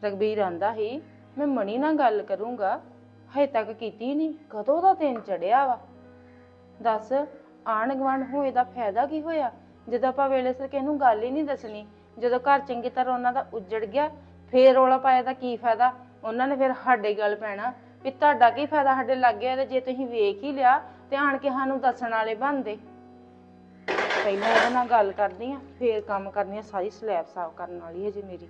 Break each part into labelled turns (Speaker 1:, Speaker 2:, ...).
Speaker 1: ਰਘਬੀਰ ਆਂਦਾ ਹੀ ਮੈਂ ਮਣੀ ਨਾਲ ਗੱਲ ਕਰੂੰਗਾ, ਹਜੇ ਤੱਕ ਕੀਤੀ ਨਹੀਂ। ਕਦੋਂ ਦਾ ਦਿਨ ਚੜਿਆ ਵਾ। ਦੱਸ ਆਂਢ ਗੁਆਂਢ ਹੋਏ ਦਾ ਫਾਇਦਾ ਕੀ ਹੋਇਆ ਜਦੋਂ ਆਪਾਂ ਵੇਲੇ ਸਿਰ ਕਿਸੇ ਨੂੰ ਗੱਲ ਹੀ ਨਹੀਂ ਦੱਸਣੀ। ਜਦੋਂ ਘਰ ਚੰਗੀ ਤਰ੍ਹਾਂ ਉਹਨਾਂ ਦਾ ਉੱਜੜ ਗਿਆ ਫੇਰ ਰੌਲਾ ਪਾਇਆ ਦਾ ਕੀ ਫਾਇਦਾ। ਉਹਨਾਂ ਨੇ ਫਿਰ ਸਾਡੇ ਗੱਲ ਪੈਣਾ ਵੀ ਤੁਹਾਡਾ ਕੀ ਫਾਇਦਾ ਸਾਡੇ ਲਾਗੇ ਆ, ਤੇ ਜੇ ਤੁਸੀਂ ਵੇਖ ਹੀ ਲਿਆ ਤੇ ਆਣ ਕੇ ਸਾਨੂੰ ਦੱਸਣ ਵਾਲੇ ਬਣਦੇ। ਪਹਿਲਾਂ ਇਹਦੇ ਨਾਲ ਗੱਲ ਕਰਦੀ ਆ ਫੇਰ ਕੰਮ ਕਰਨੀ ਆ। ਸਾਰੀ ਸਲੈਬ ਸਾਫ਼ ਕਰਨ ਵਾਲੀ ਹੈ ਜੇ ਮੇਰੀ।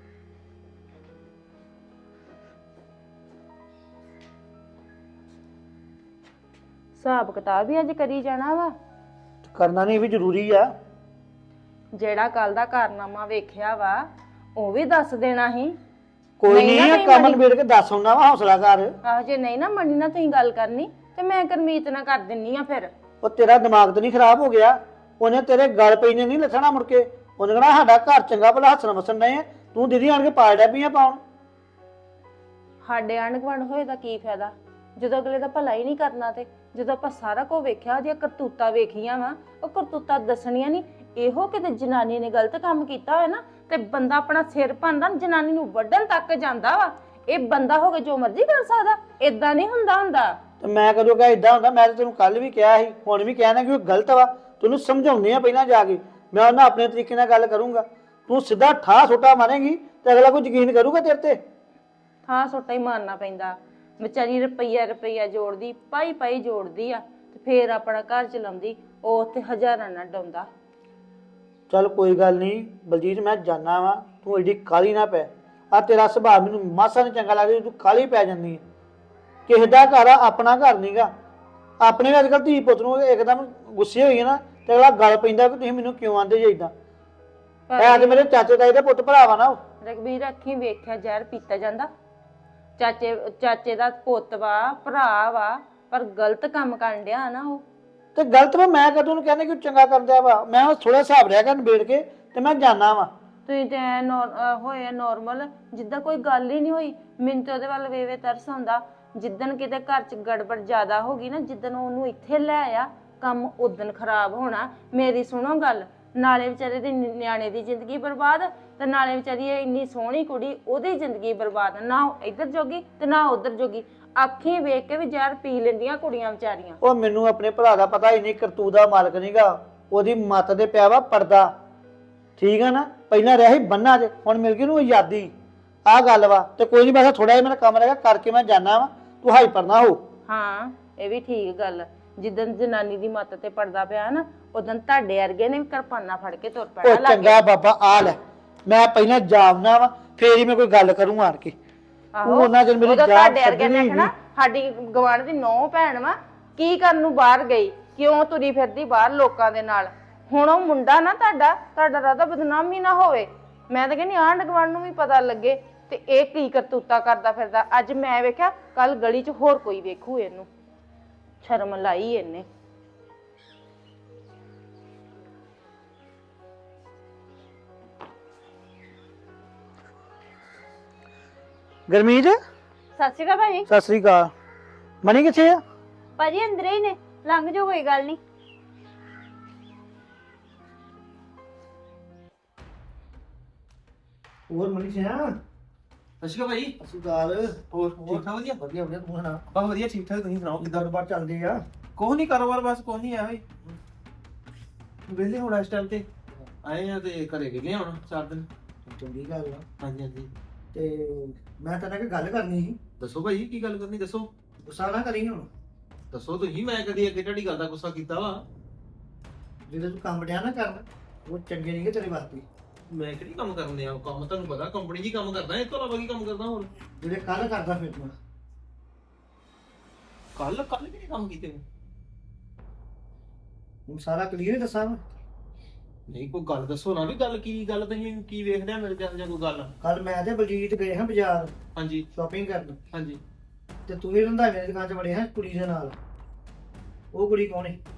Speaker 1: ਹਿਸਾਬ ਕਿਤਾਬ ਵੀ ਅੱਜ ਕਰੀ ਜਾਣਾ ਵਾ।
Speaker 2: ਕਰਨਾ ਨਹੀਂ ਵੀ ਜ਼ਰੂਰੀ ਆ।
Speaker 1: ਜਿਹੜਾ ਕੱਲ ਦਾ ਕਾਰਨਾਮਾ ਵੇਖਿਆ ਵਾ ਉਹ ਵੀ ਦੱਸ ਦੇਣਾ ਸੀ।
Speaker 2: ਕੋਈ ਨਹੀਂ ਕੰਮ ਨਿਬੇੜ ਕੇ ਦੱਸ ਆਉਣਾ ਵਾ, ਹੌਸਲਾ ਕਰ।
Speaker 1: ਆਹੋ ਜੇ ਨਹੀਂ ਨਾ ਮੰਨੀ ਨਾ ਤੁਸੀਂ ਗੱਲ ਕਰਨੀ ਤੇ ਮੈਂ ਗੁਰਮੀਤ ਨਾਲ ਕਰ ਦਿੰਨੀ ਆ। ਫਿਰ
Speaker 2: ਉਹ ਤੇਰਾ ਦਿਮਾਗ ਤਾਂ ਨਹੀਂ ਖਰਾਬ ਹੋ ਗਿਆ? ਉਹਨੇ ਤੇਰੇ ਗਲ ਪਈ ਨੇ ਨਹੀਂ ਲੱਥਣਾ ਮੁੜ ਕੇ। ਉਹਨੇ ਕਹਣਾ ਸਾਡਾ ਘਰ ਚੰਗਾ ਭਲਾ ਹੱਸਣ ਵਸਣ ਡਏ ਆ, ਤੂੰ ਦੀਦੀ ਆਣ ਕੇ ਪਾੜ ਡੈ ਪਈਆਂ ਪਾਉਣ।
Speaker 1: ਸਾਡੇ ਆਂਢ ਗੁਆਂਢ ਹੋਏ ਦਾ ਕੀ ਫਾਇਦਾ ਜਦੋਂ ਅਗਲੇ ਦਾ ਭਲਾ ਹੀ ਨਹੀਂ ਕਰਨਾ। ਤੇ ਜਦੋਂ ਆਪਾਂ ਸਾਰਾ ਕੁਝ ਵੇਖਿਆ, ਉਹਦੀਆਂ ਕਰਤੂਤਾਂ ਵੇਖੀਆਂ ਵਾ, ਉਹ ਕਰਤੂਤਾਂ ਦੱਸਣੀਆਂ ਨਹੀਂ। ਇਹੋ ਕਿਤੇ ਜਨਾਨੀ ਨੇ ਗਲਤ ਕੰਮ ਕੀਤਾ ਹੋਇਆ ਨਾ ਤੇ ਬੰਦਾ ਆਪਣਾ ਸਿਰ ਭੰਨਦਾ ਜਨਾਨੀ ਨੂੰ ਵੱਢਣ ਤੱਕ ਜਾਂਦਾ ਵਾ। ਇਹ ਬੰਦਾ ਹੋ ਕੇ ਜੋ ਮਰਜ਼ੀ ਕਰ ਸਕਦਾ, ਏਦਾਂ ਨਹੀਂ ਹੁੰਦਾ।
Speaker 2: ਤੇ ਮੈਂ ਕਦੋਂ ਕਿਹਾ ਏਦਾਂ ਹੁੰਦਾ? ਮੈਂ ਤਾਂ ਤੈਨੂੰ ਕੱਲ ਵੀ ਕਿਹਾ ਸੀ, ਹੁਣ ਵੀ ਕਹਿਣਾ ਕਿ ਉਹ ਗਲਤ ਵਾ। ਤੈਨੂੰ ਸਮਝਾਉਣੀ ਆ ਪਹਿਲਾਂ ਜਾ ਕੇ। ਮੈਂ ਉਹਨਾਂ ਆਪਣੇ ਤਰੀਕੇ ਨਾਲ ਗੱਲ ਕਰੂੰਗਾ। ਤੂੰ ਸਿੱਧਾ ਠਾਹ ਛੋਟਾ ਮਾਰੇਂਗੀ ਤੇ ਅਗਲਾ ਕੋਈ ਯਕੀਨ ਕਰੂਗਾ ਤੇਰੇ ਤੇ?
Speaker 1: ਹਾਂ ਸੋਟਾ ਹੀ ਮਾਰਨਾ ਪੈਂਦਾ। ਵਿਚਾਰੀ ਰੁਪਈਆ ਜੋੜਦੀ, ਪਾਈ ਜੋੜਦੀ ਆ ਤੇ ਫੇਰ ਆਪਣਾ ਘਰ ਚਲਾਉਂਦੀ। ਉਹ ਉੱਥੇ ਹਜ਼ਾਰਾਂ ਨਾਲ ਡਾਉਂਦਾ।
Speaker 2: ਚੱਲ ਕੋਈ ਗੱਲ ਨਹੀਂ ਬਲਜੀਤ, ਮੈਂ ਜਾਣਾ ਵਾ। ਤੂੰ ਐਡੀ ਕਾਲੀ ਨਾ ਪੈ। ਆ ਤੇਰਾ ਸੁਭਾਅ ਮੈਨੂੰ ਮਾਸਾ ਨਹੀਂ ਚੰਗਾ ਲੱਗਦਾ। ਤੂੰ ਕਾਲੀ ਪੈ ਜਾਂਦੀ ਹੈ। ਕਿਸੇ ਦਾ ਘਰ ਆ, ਆਪਣਾ ਘਰ ਨਹੀਂਗਾ। ਆਪਣੇ ਵੀ ਅੱਜ ਕੱਲ੍ਹ ਧੀ ਪੁੱਤ ਨੂੰ ਇੱਕਦਮ ਗੁੱਸੇ ਹੋਈ ਨਾ ਤੇ ਅਗਲਾ ਗੱਲ ਪੈਂਦਾ ਕਿ ਤੁਸੀਂ ਮੈਨੂੰ ਕਿਉਂ ਆਂਦੇ ਜੇ ਏਦਾਂ। ਐ ਤੇ ਮੇਰੇ ਚਾਚੇ ਤਾਏ ਦਾ ਪੁੱਤ ਭਰਾ ਵਾ ਨਾ। ਉਹ
Speaker 1: ਰਘਬੀਰ ਅੱਖੀਂ ਵੇਖਿਆ ਜ਼ਹਿਰ ਪੀਤਾ ਜਾਂਦਾ। ਚਾਚੇ ਦਾ ਪੁੱਤ ਵਾ, ਭਰਾ ਵਾ, ਪਰ ਗਲਤ ਕੰਮ ਕਰਨ ਡਿਆ ਨਾ ਉਹ।
Speaker 2: ਤੇ ਗਲਤ ਵਾ। ਮੈਂ ਕਦੋਂ ਨੂੰ ਕਹਿੰਦਾ ਕਿ ਉਹ ਚੰਗਾ ਕਰਦਾ ਵਾ? ਮੈਂ ਥੋੜਾ ਹਿਸਾਬ ਰਿਹਾ ਕਰ ਨਿਬੇੜ ਕੇ ਤੇ ਮੈਂ ਜਾਣਾ ਵਾ।
Speaker 1: ਤੁਸੀਂ ਤੇ ਹੋਏ ਨੋਰਮਲ ਜਿੱਦਾਂ ਕੋਈ ਗੱਲ ਹੀ ਨਹੀਂ ਹੋਈ। ਮੈਨੂੰ ਤੇ ਉਹਦੇ ਵੱਲ ਵੇਵੇ ਤਰਸ ਆਉਂਦਾ। ਜਿੱਦਣ ਕਿਤੇ ਘਰ 'ਚ ਗੜਬੜ ਜ਼ਿਆਦਾ ਹੋ ਗਈ ਨਾ, ਜਿੱਦਣ ਉਹਨੂੰ ਇੱਥੇ ਲੈ ਆ, ਕੰਮ ਉਦਣ ਖਰਾਬ ਹੋਣਾ। ਮੇਰੀ ਸੁਣੋ ਗੱਲ, ਨਾਲੇ ਵਿਚਾਰੇ ਦੇ ਨਿਆਣੇ ਦੀ ਜ਼ਿੰਦਗੀ ਬਰਬਾਦ ਤੇ ਨਾਲੇ ਵਿਚਾਰੀ ਇੰਨੀ ਸੋਹਣੀ ਕੁੜੀ ਉਹਦੀ ਜ਼ਿੰਦਗੀ ਬਰਬਾਦ। ਨਾ ਇੱਧਰ ਜੋਗੀ ਤੇ ਨਾ ਉੱਧਰ ਜੋਗੀ। ਅੱਖੀਂ ਵੇਖ ਕੇ ਵੀ ਜ਼ਹਿਰ ਪੀ ਲੈਂਦੀਆਂ ਕੁੜੀਆਂ ਵਿਚਾਰੀਆਂ।
Speaker 2: ਉਹ ਮੈਨੂੰ ਆਪਣੇ ਭਰਾ ਦਾ ਪਤਾ ਹੀ ਨਹੀਂ, ਕਰਤੂਤ ਦਾ ਮਾਲਕ ਨਹੀਂਗਾ। ਉਹਦੀ ਮੱਤ ਦੇ ਪਿਆ ਵਾ ਪਰਦਾ। ਠੀਕ ਆ ਨਾ? ਪਹਿਲਾਂ ਰਿਹਾ ਸੀ ਬੰਨਾ 'ਚ, ਹੁਣ ਮਿਲ ਗਈ ਉਹਨੂੰ ਆਜ਼ਾਦੀ। ਆਹ ਗੱਲ ਵਾ। ਤੇ ਕੋਈ ਨਹੀਂ, ਬਸ ਥੋੜਾ ਜਿਹਾ ਮੇਰਾ ਕੰਮ ਰਹਿ ਗਿਆ ਕਰਕੇ ਮੈਂ ਜਾਣਾ ਵਾ। ਤੂੰ ਹਾਈਪਰ ਨਾ ਹੋ।
Speaker 1: ਹਾਂ ਇਹ ਵੀ ਠੀਕ ਗੱਲ। ਜਿੱਦਣ ਜਨਾਨੀ ਦੀ ਮੱਤ ਤੇ ਪੜਦਾ ਪਿਆ ਨਾ, ਉਦੋਂ ਤੁਹਾਡੇ ਵਰਗੇ ਨੇ ਵੀ ਕਿਰਪਾਨਾਂ ਫੜ ਕੇ ਤੁਰ ਪੈਣਾ।
Speaker 2: ਉਹ ਚੰਗਾ ਬਾਬਾ ਆ ਲੈ, ਮੈਂ ਪਹਿਲਾਂ ਜਾਵਨਾ ਵਾ ਫੇਰ ਹੀ ਮੈਂ ਕੋਈ ਗੱਲ ਕਰੂੰ ਆਣ ਕੇ। ਉਹਨਾਂ ਜਨ ਮੇਰੀ ਜਾਨ
Speaker 1: ਤੁਹਾਡੇ ਵਰਗੇ ਨੇ ਆਖਣਾ ਸਾਡੀ ਗਵਾਂਢ ਦੀ ਨੌ ਭੈਣ ਵਾ, ਕੀ ਕਰਨ ਨੂੰ ਬਾਹਰ ਗਈ, ਕਿਉਂ ਤੁਰੀ ਫਿਰਦੀ ਬਾਹਰ ਲੋਕਾਂ ਦੇ ਨਾਲ। ਹੁਣ ਉਹ ਮੁੰਡਾ ਨਾ ਤੁਹਾਡਾ ਰਾਦਾ ਬਦਨਾਮੀ ਨਾ ਹੋਵੇ। ਮੈਂ ਤਾਂ ਕਹਿੰਦੀ ਆਂਢ ਗੁਆਂਢ ਨੂੰ ਵੀ ਪਤਾ ਲੱਗੇ ਤੇ ਇਹ ਕੀ ਕਰਤੂਤਾ ਕਰਦਾ ਫਿਰਦਾ। ਅੱਜ ਮੈਂ ਵੇਖਿਆ, ਕੱਲ ਗਲੀ 'ਚ ਹੋਰ ਕੋਈ ਵੇਖੂ ਇਹਨੂੰ। ਸ਼ਰਮ ਲਾਈ ਇਹਨੇ।
Speaker 2: ਗਰਮੀਤ,
Speaker 3: ਸਤਿ ਸ਼੍ਰੀ ਅਕਾਲ ਭਾਜੀ।
Speaker 2: ਸਤਿ ਸ੍ਰੀ ਅਕਾਲ। ਮਣੀ ਕਿੱਥੇ ਆ?
Speaker 3: ਭਾਜੀ ਅੰਦਰ ਹੀ ਨੇ, ਲੰਘ ਜਾਓ ਕੋਈ ਗੱਲ ਨਹੀਂ।
Speaker 2: ਹੋਰ ਮਣੀ ਸਿਆ?
Speaker 4: ਅਸ਼ਕਾ ਭਾਈ
Speaker 2: ਅਸੀਂ ਗੱਲ
Speaker 4: ਹੋਰ ਠੀਕ ਠਾਕ ਵਧੀਆ
Speaker 2: ਵਧੀਆ ਵਧੀਆ। ਤੂੰ ਸੁਣਾ?
Speaker 4: ਬਸ ਵਧੀਆ ਠੀਕ ਠਾਕ। ਤੁਸੀਂ ਸੁਣਾਓ ਕਿੱਦਾਂ?
Speaker 2: ਕਾਰੋਬਾਰ ਚੱਲਦੇ ਆ?
Speaker 4: ਕੁਛ ਨਹੀਂ, ਕਾਰੋਬਾਰ ਬਸ ਕੁਛ ਨਹੀਂ ਆ। ਵਿਹਲੇ ਹੁਣ ਇਸ ਟਾਈਮ ਤੇ ਆਏ ਆ ਤੇ ਘਰੇ ਵਿਹਲੇ ਹੁਣ 4 ਦਿਨ।
Speaker 2: ਚੰਗੀ ਗੱਲ ਆ।
Speaker 4: ਹਾਂਜੀ ਹਾਂਜੀ।
Speaker 2: ਤੇ ਮੈਂ ਤੇਰੇ ਨਾਲ ਗੱਲ ਕਰਨੀ ਸੀ।
Speaker 4: ਦੱਸੋ ਭਾਈ ਕੀ ਗੱਲ ਕਰਨੀ, ਦੱਸੋ।
Speaker 2: ਗੁੱਸਾ ਨਾ ਕਰੀ ਹੁਣ।
Speaker 4: ਦੱਸੋ ਤੁਸੀਂ, ਮੈਂ ਕਦੀ ਅੱਗੇ ਤੁਹਾਡੀ ਗੱਲ ਦਾ ਗੁੱਸਾ ਕੀਤਾ ਵਾ?
Speaker 2: ਜਿਹੜੇ ਤੂੰ ਕੰਮ ਡਿਆ ਨਾ ਕਰਨ, ਉਹ ਚੰਗੇ ਨਹੀਂਗੇ ਤੇਰੇ ਵਾਸਤੇ।
Speaker 4: ਮੈਂ ਕਿਹੜੀ ਕੰਮ ਕਰਨ ਦਿਆ? ਕੰਮ ਤੁਹਾਨੂੰ ਪਤਾ ਕੰਪਨੀ 'ਚ ਹੀ ਕੰਮ ਕਰਦਾ, ਇਸ ਤੋਂ ਇਲਾਵਾ ਕੀ ਕੰਮ ਕਰਦਾ ਹੋਰ?
Speaker 2: ਜਿਹੜੇ ਕੱਲ ਕਰਦਾ ਫਿਰ ਤੂੰ
Speaker 4: ਕੱਲ ਕਿਹੜੇ ਕੰਮ ਕੀਤੇ ਨੇ?
Speaker 2: ਹੁਣ ਸਾਰਾ ਕਲੀਅਰ ਦੱਸਾਂ ਮੈਂ।
Speaker 4: ਨਹੀਂ ਕੋਈ ਗੱਲ ਦੱਸੋ ਨਾ, ਵੀ ਗੱਲ ਕੀ ਗੱਲ ਤੁਸੀਂ ਕੀ ਵੇਖਦੇ ਆ ਮੇਰੇ ਜਦ ਜਾਂ ਕੋਈ ਗੱਲ?
Speaker 2: ਕੱਲ ਮੈਂ ਤੇ ਬਲਜੀਤ ਗਏ ਹਾਂ ਬਾਜ਼ਾਰ
Speaker 4: ਹਾਂਜੀ
Speaker 2: ਸ਼ਾਪਿੰਗ ਕਰਨ,
Speaker 4: ਹਾਂਜੀ।
Speaker 2: ਤੇ ਤੂੰ ਵੀ ਰੰਧਾਵੇ ਦੀ ਦੁਕਾਨ 'ਚ ਵੜੇ ਹਾਂ ਕੁੜੀ ਦੇ ਨਾਲ। ਉਹ ਕੁੜੀ ਕੌਣ ਹੈ?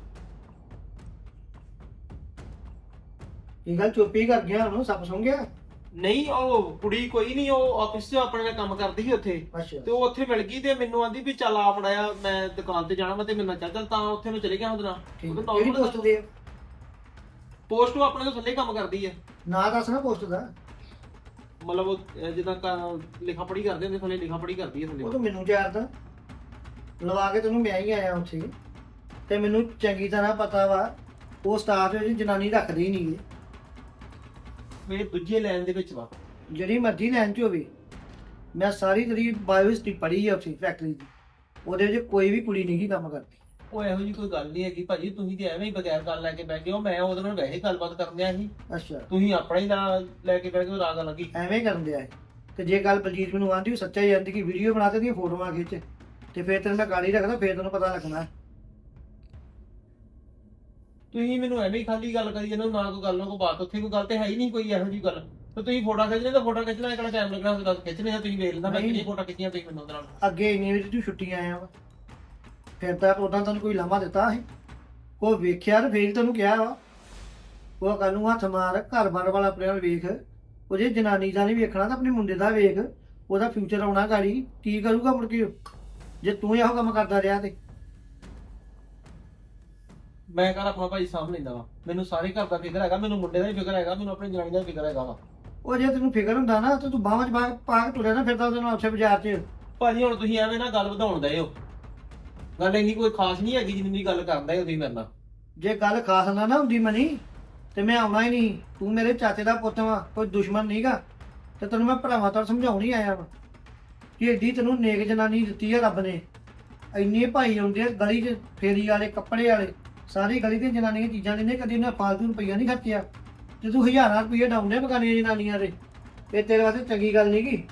Speaker 2: ਇਹ ਗੱਲ ਚੁੱਪ ਹੀ ਕਰ ਗਿਆ, ਉਹਨੂੰ ਸੱਪ ਸੁੰਘ ਗਿਆ?
Speaker 4: ਨਹੀਂ ਉਹ ਕੁੜੀ ਕੋਈ ਨਹੀਂ, ਉਹ ਆਫਿਸ 'ਚ ਆਪਣੇ ਨਾਲ ਕੰਮ ਕਰਦੀ ਸੀ ਉੱਥੇ।
Speaker 2: ਅੱਛਾ।
Speaker 4: ਤੇ ਉਹ ਉੱਥੇ ਮਿਲ ਗਈ ਤੇ ਮੈਨੂੰ ਆਂਦੀ ਵੀ ਚੱਲ ਆ ਫੜਾਇਆ, ਮੈਂ ਦੁਕਾਨ ਤੇ ਜਾਣਾ ਮੈਂ ਤੇ ਮੇਰੇ ਨਾਲ ਚੱਲ ਤਾਂ ਉੱਥੇ ਮੈਂ ਚਲੇ ਗਿਆ ਉਹਦੇ ਨਾਲ।
Speaker 2: ਠੀਕ। ਕਿਹੜੀ ਪੋਸਟ ਦੇ?
Speaker 4: ਪੋਸਟ ਉਹ ਆਪਣੇ ਤੋਂ ਥੱਲੇ ਕੰਮ ਕਰਦੀ ਹੈ।
Speaker 2: ਨਾਂ ਦੱਸ ਨਾ ਪੋਸਟ ਦਾ।
Speaker 4: ਮਤਲਬ ਉਹ ਜਿੱਦਾਂ ਲਿਖਾ ਪੜੀ ਕਰਦੇ ਹੁੰਦੇ ਥੱਲੇ ਲਿਖਾ ਪੜੀ ਕਰਦੀ ਹੈ ਥੱਲੇ
Speaker 2: ਉਹ ਤਾਂ ਮੈਨੂੰ ਜਾਣਦਾ ਲਵਾ ਕੇ ਤੈਨੂੰ ਮੈਂ ਹੀ ਆਇਆ ਉੱਥੇ ਤੇ ਮੈਨੂੰ ਚੰਗੀ ਤਰ੍ਹਾਂ ਪਤਾ ਵਾ ਉਹ ਸਟਾਫ ਵਿੱਚ ਜਨਾਨੀ ਰੱਖਦੇ ਹੀ ਨਹੀਂ
Speaker 4: ਮੇਰੇ ਦੂਜੇ ਲਾਈਨ ਦੇ ਵਿੱਚ ਵਾ
Speaker 2: ਜਿਹੜੀ ਮਰਜ਼ੀ ਲਾਈਨ 'ਚ ਹੋਵੇ ਮੈਂ ਸਾਰੀ ਤੇਰੀ ਬਾਇਓਹਿਸਟਰੀ ਪੜ੍ਹੀ ਆ ਉੱਥੇ ਫੈਕਟਰੀ ਦੀ ਉਹਦੇ ਵਿੱਚ ਕੋਈ ਵੀ ਕੁੜੀ ਨਹੀਂ ਕੰਮ ਕਰਦੀ
Speaker 4: ਉਹ ਇਹੋ ਜੀ ਕੋਈ ਗੱਲ ਨਹੀਂ ਹੈਗੀ ਭਾਜੀ ਤੁਸੀਂ ਤੇ ਐਵੇਂ ਹੀ ਬਗੈਰ ਗੱਲ ਲੈ ਕੇ ਬਹਿ ਗਏ ਹੋ ਮੈਂ ਉਹਦੇ ਨਾਲ ਵੈਸੇ ਗੱਲਬਾਤ ਕਰਨ ਆ ਸੀ
Speaker 2: ਅੱਛਾ
Speaker 4: ਤੁਸੀਂ ਆਪਣਾ ਹੀ ਲੈ ਕੇ ਬਹਿ ਗਏ ਰਾਗ ਲੱਗੀ
Speaker 2: ਐਵੇਂ ਕਰਨ ਦਿਆ ਤੇ ਜੇ ਗੱਲ ਬਲਜੀਤ ਮੈਨੂੰ ਆਂਦੀ ਉਹ ਸੱਚਾ ਹੀ ਆਂਦੀ ਕਿ ਵੀਡੀਓ ਬਣਾ ਤੇ ਦੀਆਂ ਫੋਟੋਆਂ ਖਿੱਚ ਤੇ ਫਿਰ ਤੈਨੂੰ ਮੈਂ ਗਾਲੀ ਰੱਖਦਾ ਫਿਰ ਤੈਨੂੰ ਪਤਾ ਲੱਗਣਾ
Speaker 4: ਤੁਸੀਂ ਮੈਨੂੰ ਐਵੇਂ ਹੀ ਖਾਲੀ ਗੱਲ ਕਰੀ ਜਾਂਦੇ ਹੋ ਨਾ ਕੋਈ ਗੱਲ ਨਾ ਕੋਈ ਬਾਤ ਉੱਥੇ ਕੋਈ ਗੱਲ ਤੇ ਹੈ ਹੀ ਨਹੀਂ ਕੋਈ ਇਹੋ ਜੀ ਗੱਲ ਤੇ ਤੁਸੀਂ ਫੋਟੋ ਖਿੱਚਣੇ ਤਾਂ ਫੋਟੋ ਖਿੱਚਣਾ ਕਿਹੜਾ ਟਾਈਮ ਲੱਗਣਾ ਹੁੰਦਾ ਖਿੱਚਣੇ ਆ ਤੁਸੀਂ ਵੇਖ ਲੈਂਦਾ ਮੈਂ ਕਿੰਨੀ ਫੋਟੋ ਖਿੱਚੀਆਂ ਤੁਸੀਂ ਮੈਨੂੰ ਉਹਦੇ ਨਾਲ
Speaker 2: ਅੱਗੇ ਇੰਨੇ ਵਜੇ ਤੂੰ ਛੁੱਟੀ ਆਇਆ ਵਾ ਫਿਰ ਤਾਂ ਉਦਾਂ ਤੈਨੂੰ ਕੋਈ ਲਾਮਾ ਦਿੱਤਾ ਸੀ ਕੋਈ ਵੇਖਿਆ ਤੇ ਫੇਰ ਤੈਨੂੰ ਕਿਹਾ ਵਾ ਉਹ ਕੱਲ ਨੂੰ ਹੱਥ ਮਾਰ ਘਰ-ਬਾਰ ਵਾਲਾ ਆਪਣੇ ਨਾਲ ਵੇਖ ਉਹ ਜੇ ਜਨਾਨੀ ਦਾ ਨਹੀਂ ਵੇਖਣਾ ਤਾਂ ਆਪਣੇ ਮੁੰਡੇ ਦਾ ਵੇਖ ਉਹਦਾ ਫਿਊਚਰ ਆਉਣਾ ਗਾੜੀ ਕੀ ਕਰੂਗਾ ਮੁੜ ਕੇ ਜੇ ਤੂੰ ਇਹੋ ਕੰਮ ਕਰਦਾ ਰਿਹਾ ਤੇ
Speaker 4: ਮੈਂ ਘਰ ਆਪਣਾ ਭਾਈ ਸਾਂਭ ਲੈਂਦਾ ਵਾ ਮੈਨੂੰ ਸਾਰੇ ਘਰ ਦਾ ਫਿਕਰ ਹੈਗਾ ਮੈਨੂੰ ਮੁੰਡੇ ਦਾ ਵੀ ਫਿਕਰ ਹੈਗਾ ਮੈਨੂੰ ਆਪਣੀ ਜਨਾਨੀ ਦਾ ਵੀ ਫਿਕਰ ਹੈਗਾ ਵਾ
Speaker 2: ਉਹ ਜੇ ਤੈਨੂੰ ਫਿਕਰ ਹੁੰਦਾ ਨਾ ਤੇ ਤੂੰ ਬਾਹਾਂ 'ਚ ਪਾ ਕੇ ਤੁਰਿਆ ਨਾ ਫਿਰਦਾ ਉਹਦੇ ਨਾਲ ਉੱਥੇ ਬਾਜ਼ਾਰ 'ਚ
Speaker 4: ਭਾਜੀ ਹੁਣ ਤੁਸੀਂ ਐਵੇਂ ਨਾ ਗੱਲ ਵਧਾਉਣ ਦਏ ਹੋ ਗੱਲ ਇੰਨੀ ਕੋਈ ਖਾਸ ਨਹੀਂ ਹੈਗੀ ਜਿੰਨੀ ਗੱਲ ਕਰਦਾ ਹੈ ਤੁਸੀਂ ਮੇਰੇ ਨਾਲ
Speaker 2: ਜੇ ਗੱਲ ਖਾਸ ਨਾ ਹੁੰਦੀ ਮਨੀ ਤੇ ਮੈਂ ਆਉਣਾ ਹੀ ਨਹੀਂ ਤੂੰ ਮੇਰੇ ਚਾਚੇ ਦਾ ਪੁੱਤ ਵਾ ਕੋਈ ਦੁਸ਼ਮਣ ਨਹੀਂਗਾ ਤੇ ਤੈਨੂੰ ਮੈਂ ਭਰਾਵਾਂ ਤੋਂ ਸਮਝਾਉਣ ਹੀ ਆਇਆ ਵਾ ਕਿ ਏਡੀ ਤੈਨੂੰ ਨੇਕ ਜਨਾਨੀ ਦਿੱਤੀ ਹੈ ਰੱਬ ਨੇ ਇੰਨੇ ਭਾਈ ਆਉਂਦੇ ਆ ਗਲੀ 'ਚ ਫੇਰੀ ਵਾਲੇ ਕੱਪੜੇ ਵਾਲੇ ਸਾਰੀ ਗਲੀ ਦੀਆਂ ਜਨਾਨੀਆਂ ਚੀਜ਼ਾਂ ਲੈਂਦੇ ਕਦੀ ਉਹਨਾਂ ਫਾਲਤੂ ਰੁਪਈਆ ਨਹੀਂ ਖਰਚਿਆ ਤੇ ਤੂੰ ਹਜ਼ਾਰਾਂ ਰੁਪਈਏ ਡਾਉਂਦੇ ਬਗਾਨੀਆਂ ਜਨਾਨੀਆਂ ਦੇ ਇਹ ਤੇਰੇ ਵਾਸਤੇ ਚੰਗੀ ਗੱਲ ਨਹੀਂ ਗੀ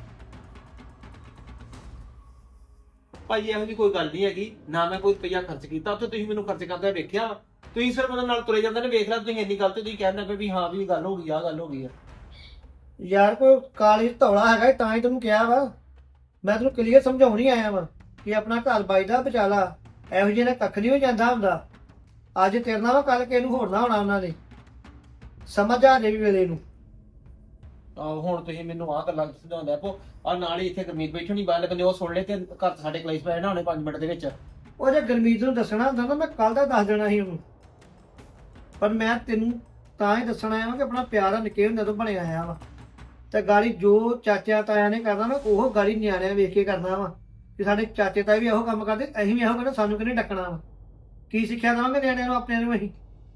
Speaker 4: ਭਾਜੀ ਇਹੋ ਜਿਹੀ ਕੋਈ ਗੱਲ ਨਹੀਂ ਹੈਗੀ ਨਾ ਮੈਂ ਕੋਈ ਰੁਪਈਆ ਖਰਚ ਕੀਤਾ ਉੱਥੇ ਤੁਸੀਂ ਮੈਨੂੰ ਖਰਚ ਕਰਦਾ ਵੇਖਿਆ ਤੁਸੀਂ ਸਿਰਫ ਉਹਨਾਂ ਨਾਲ ਤੁਰੇ ਜਾਂਦੇ ਨੇ ਵੇਖ ਲਿਆ ਤੁਸੀਂ ਇੰਨੀ ਗੱਲ ਤੇ ਤੁਸੀਂ ਕਹਿੰਦੇ ਪਏ ਵੀ ਹਾਂ ਵੀ ਗੱਲ ਹੋ ਗਈ ਆ ਗੱਲ ਹੋ ਗਈ ਆ
Speaker 2: ਯਾਰ ਕੋਈ ਕਾਲੀ ਧੌਲਾ ਹੈਗਾ ਤਾਂ ਹੀ ਤੈਨੂੰ ਕਿਹਾ ਵਾ ਮੈਂ ਤੈਨੂੰ ਕਲੀਅਰ ਸਮਝਾਉਣ ਹੀ ਆਇਆ ਵਾ ਕਿ ਆਪਣਾ ਘਰ ਬਾਈਦਾ ਬਚਾ ਲਾ ਇਹੋ ਜਿਹੇ ਨਾਲ ਕੱਖ ਨਹੀਂ ਹੋ ਜਾਂਦਾ ਹੁੰਦਾ ਅੱਜ ਤੇਰੇ ਨਾਲ ਵਾ ਕੱਲ ਕਿਸੇ ਨੂੰ ਹੋਰ ਨਾ ਹੋਣਾ ਉਹਨਾਂ ਨੇ ਸਮਝ ਆ ਜੇ ਵੀ ਵੇਲੇ ਨੂੰ
Speaker 4: ਆਹੋ ਹੁਣ ਤੁਸੀਂ ਮੈਨੂੰ ਆਹ ਗੱਲਾਂ ਸਮਝਾਉਂਦੇ ਆਪੋ ਆ ਨਾਲ ਹੀ ਇੱਥੇ ਗਰਮੀਤ ਬੈਠਣੀ ਬਾਹਰ ਬੰਦੇ ਉਹ ਸੁਣ ਲੈ ਤੇ ਘਰ ਸਾਡੇ ਕਲੇਸ਼ ਪੈ ਜਾਣਾ ਹੁਣੇ 5 ਮਿੰਟ ਦੇ ਵਿੱਚ
Speaker 2: ਉਹ ਜੇ ਗੁਰਮੀਤ ਨੂੰ ਦੱਸਣਾ ਹੁੰਦਾ ਨਾ ਮੈਂ ਕੱਲ ਦਾ ਦੱਸ ਦੇਣਾ ਸੀ ਉਹਨੂੰ ਪਰ ਮੈਂ ਤੈਨੂੰ ਤਾਂ ਹੀ ਦੱਸਣਾ ਆਇਆ ਕਿ ਆਪਣਾ ਪਿਆਰ ਨਿੱਕੇ ਹੁੰਦੇ ਤੋਂ ਬਣਿਆ ਆਇਆ ਵਾ ਤੇ ਗਾੜੀ ਜੋ ਚਾਚਾ ਤਾਇਆ ਨੇ ਕਰਨਾ ਨਾ ਉਹ ਗਾੜੀ ਨਿਆਣਿਆਂ ਵੇਖ ਕੇ ਕਰਨਾ ਵਾ ਕਿ ਸਾਡੇ ਚਾਚੇ ਤਾਏ ਵੀ ਇਹੋ ਕੰਮ ਕਰਦੇ ਅਸੀਂ ਵੀ ਇਹੋ ਕਰਨਾ ਸਾਨੂੰ ਕਿਹਨੇ ਡੱਕਣਾ ਵਾ ਕੀ ਸਿੱਖਿਆ ਦੇਵਾਂਗੇ ਨਿਆਣਿਆਂ ਨੂੰ ਆਪਣੇ ਨੂੰ ਅਸੀਂ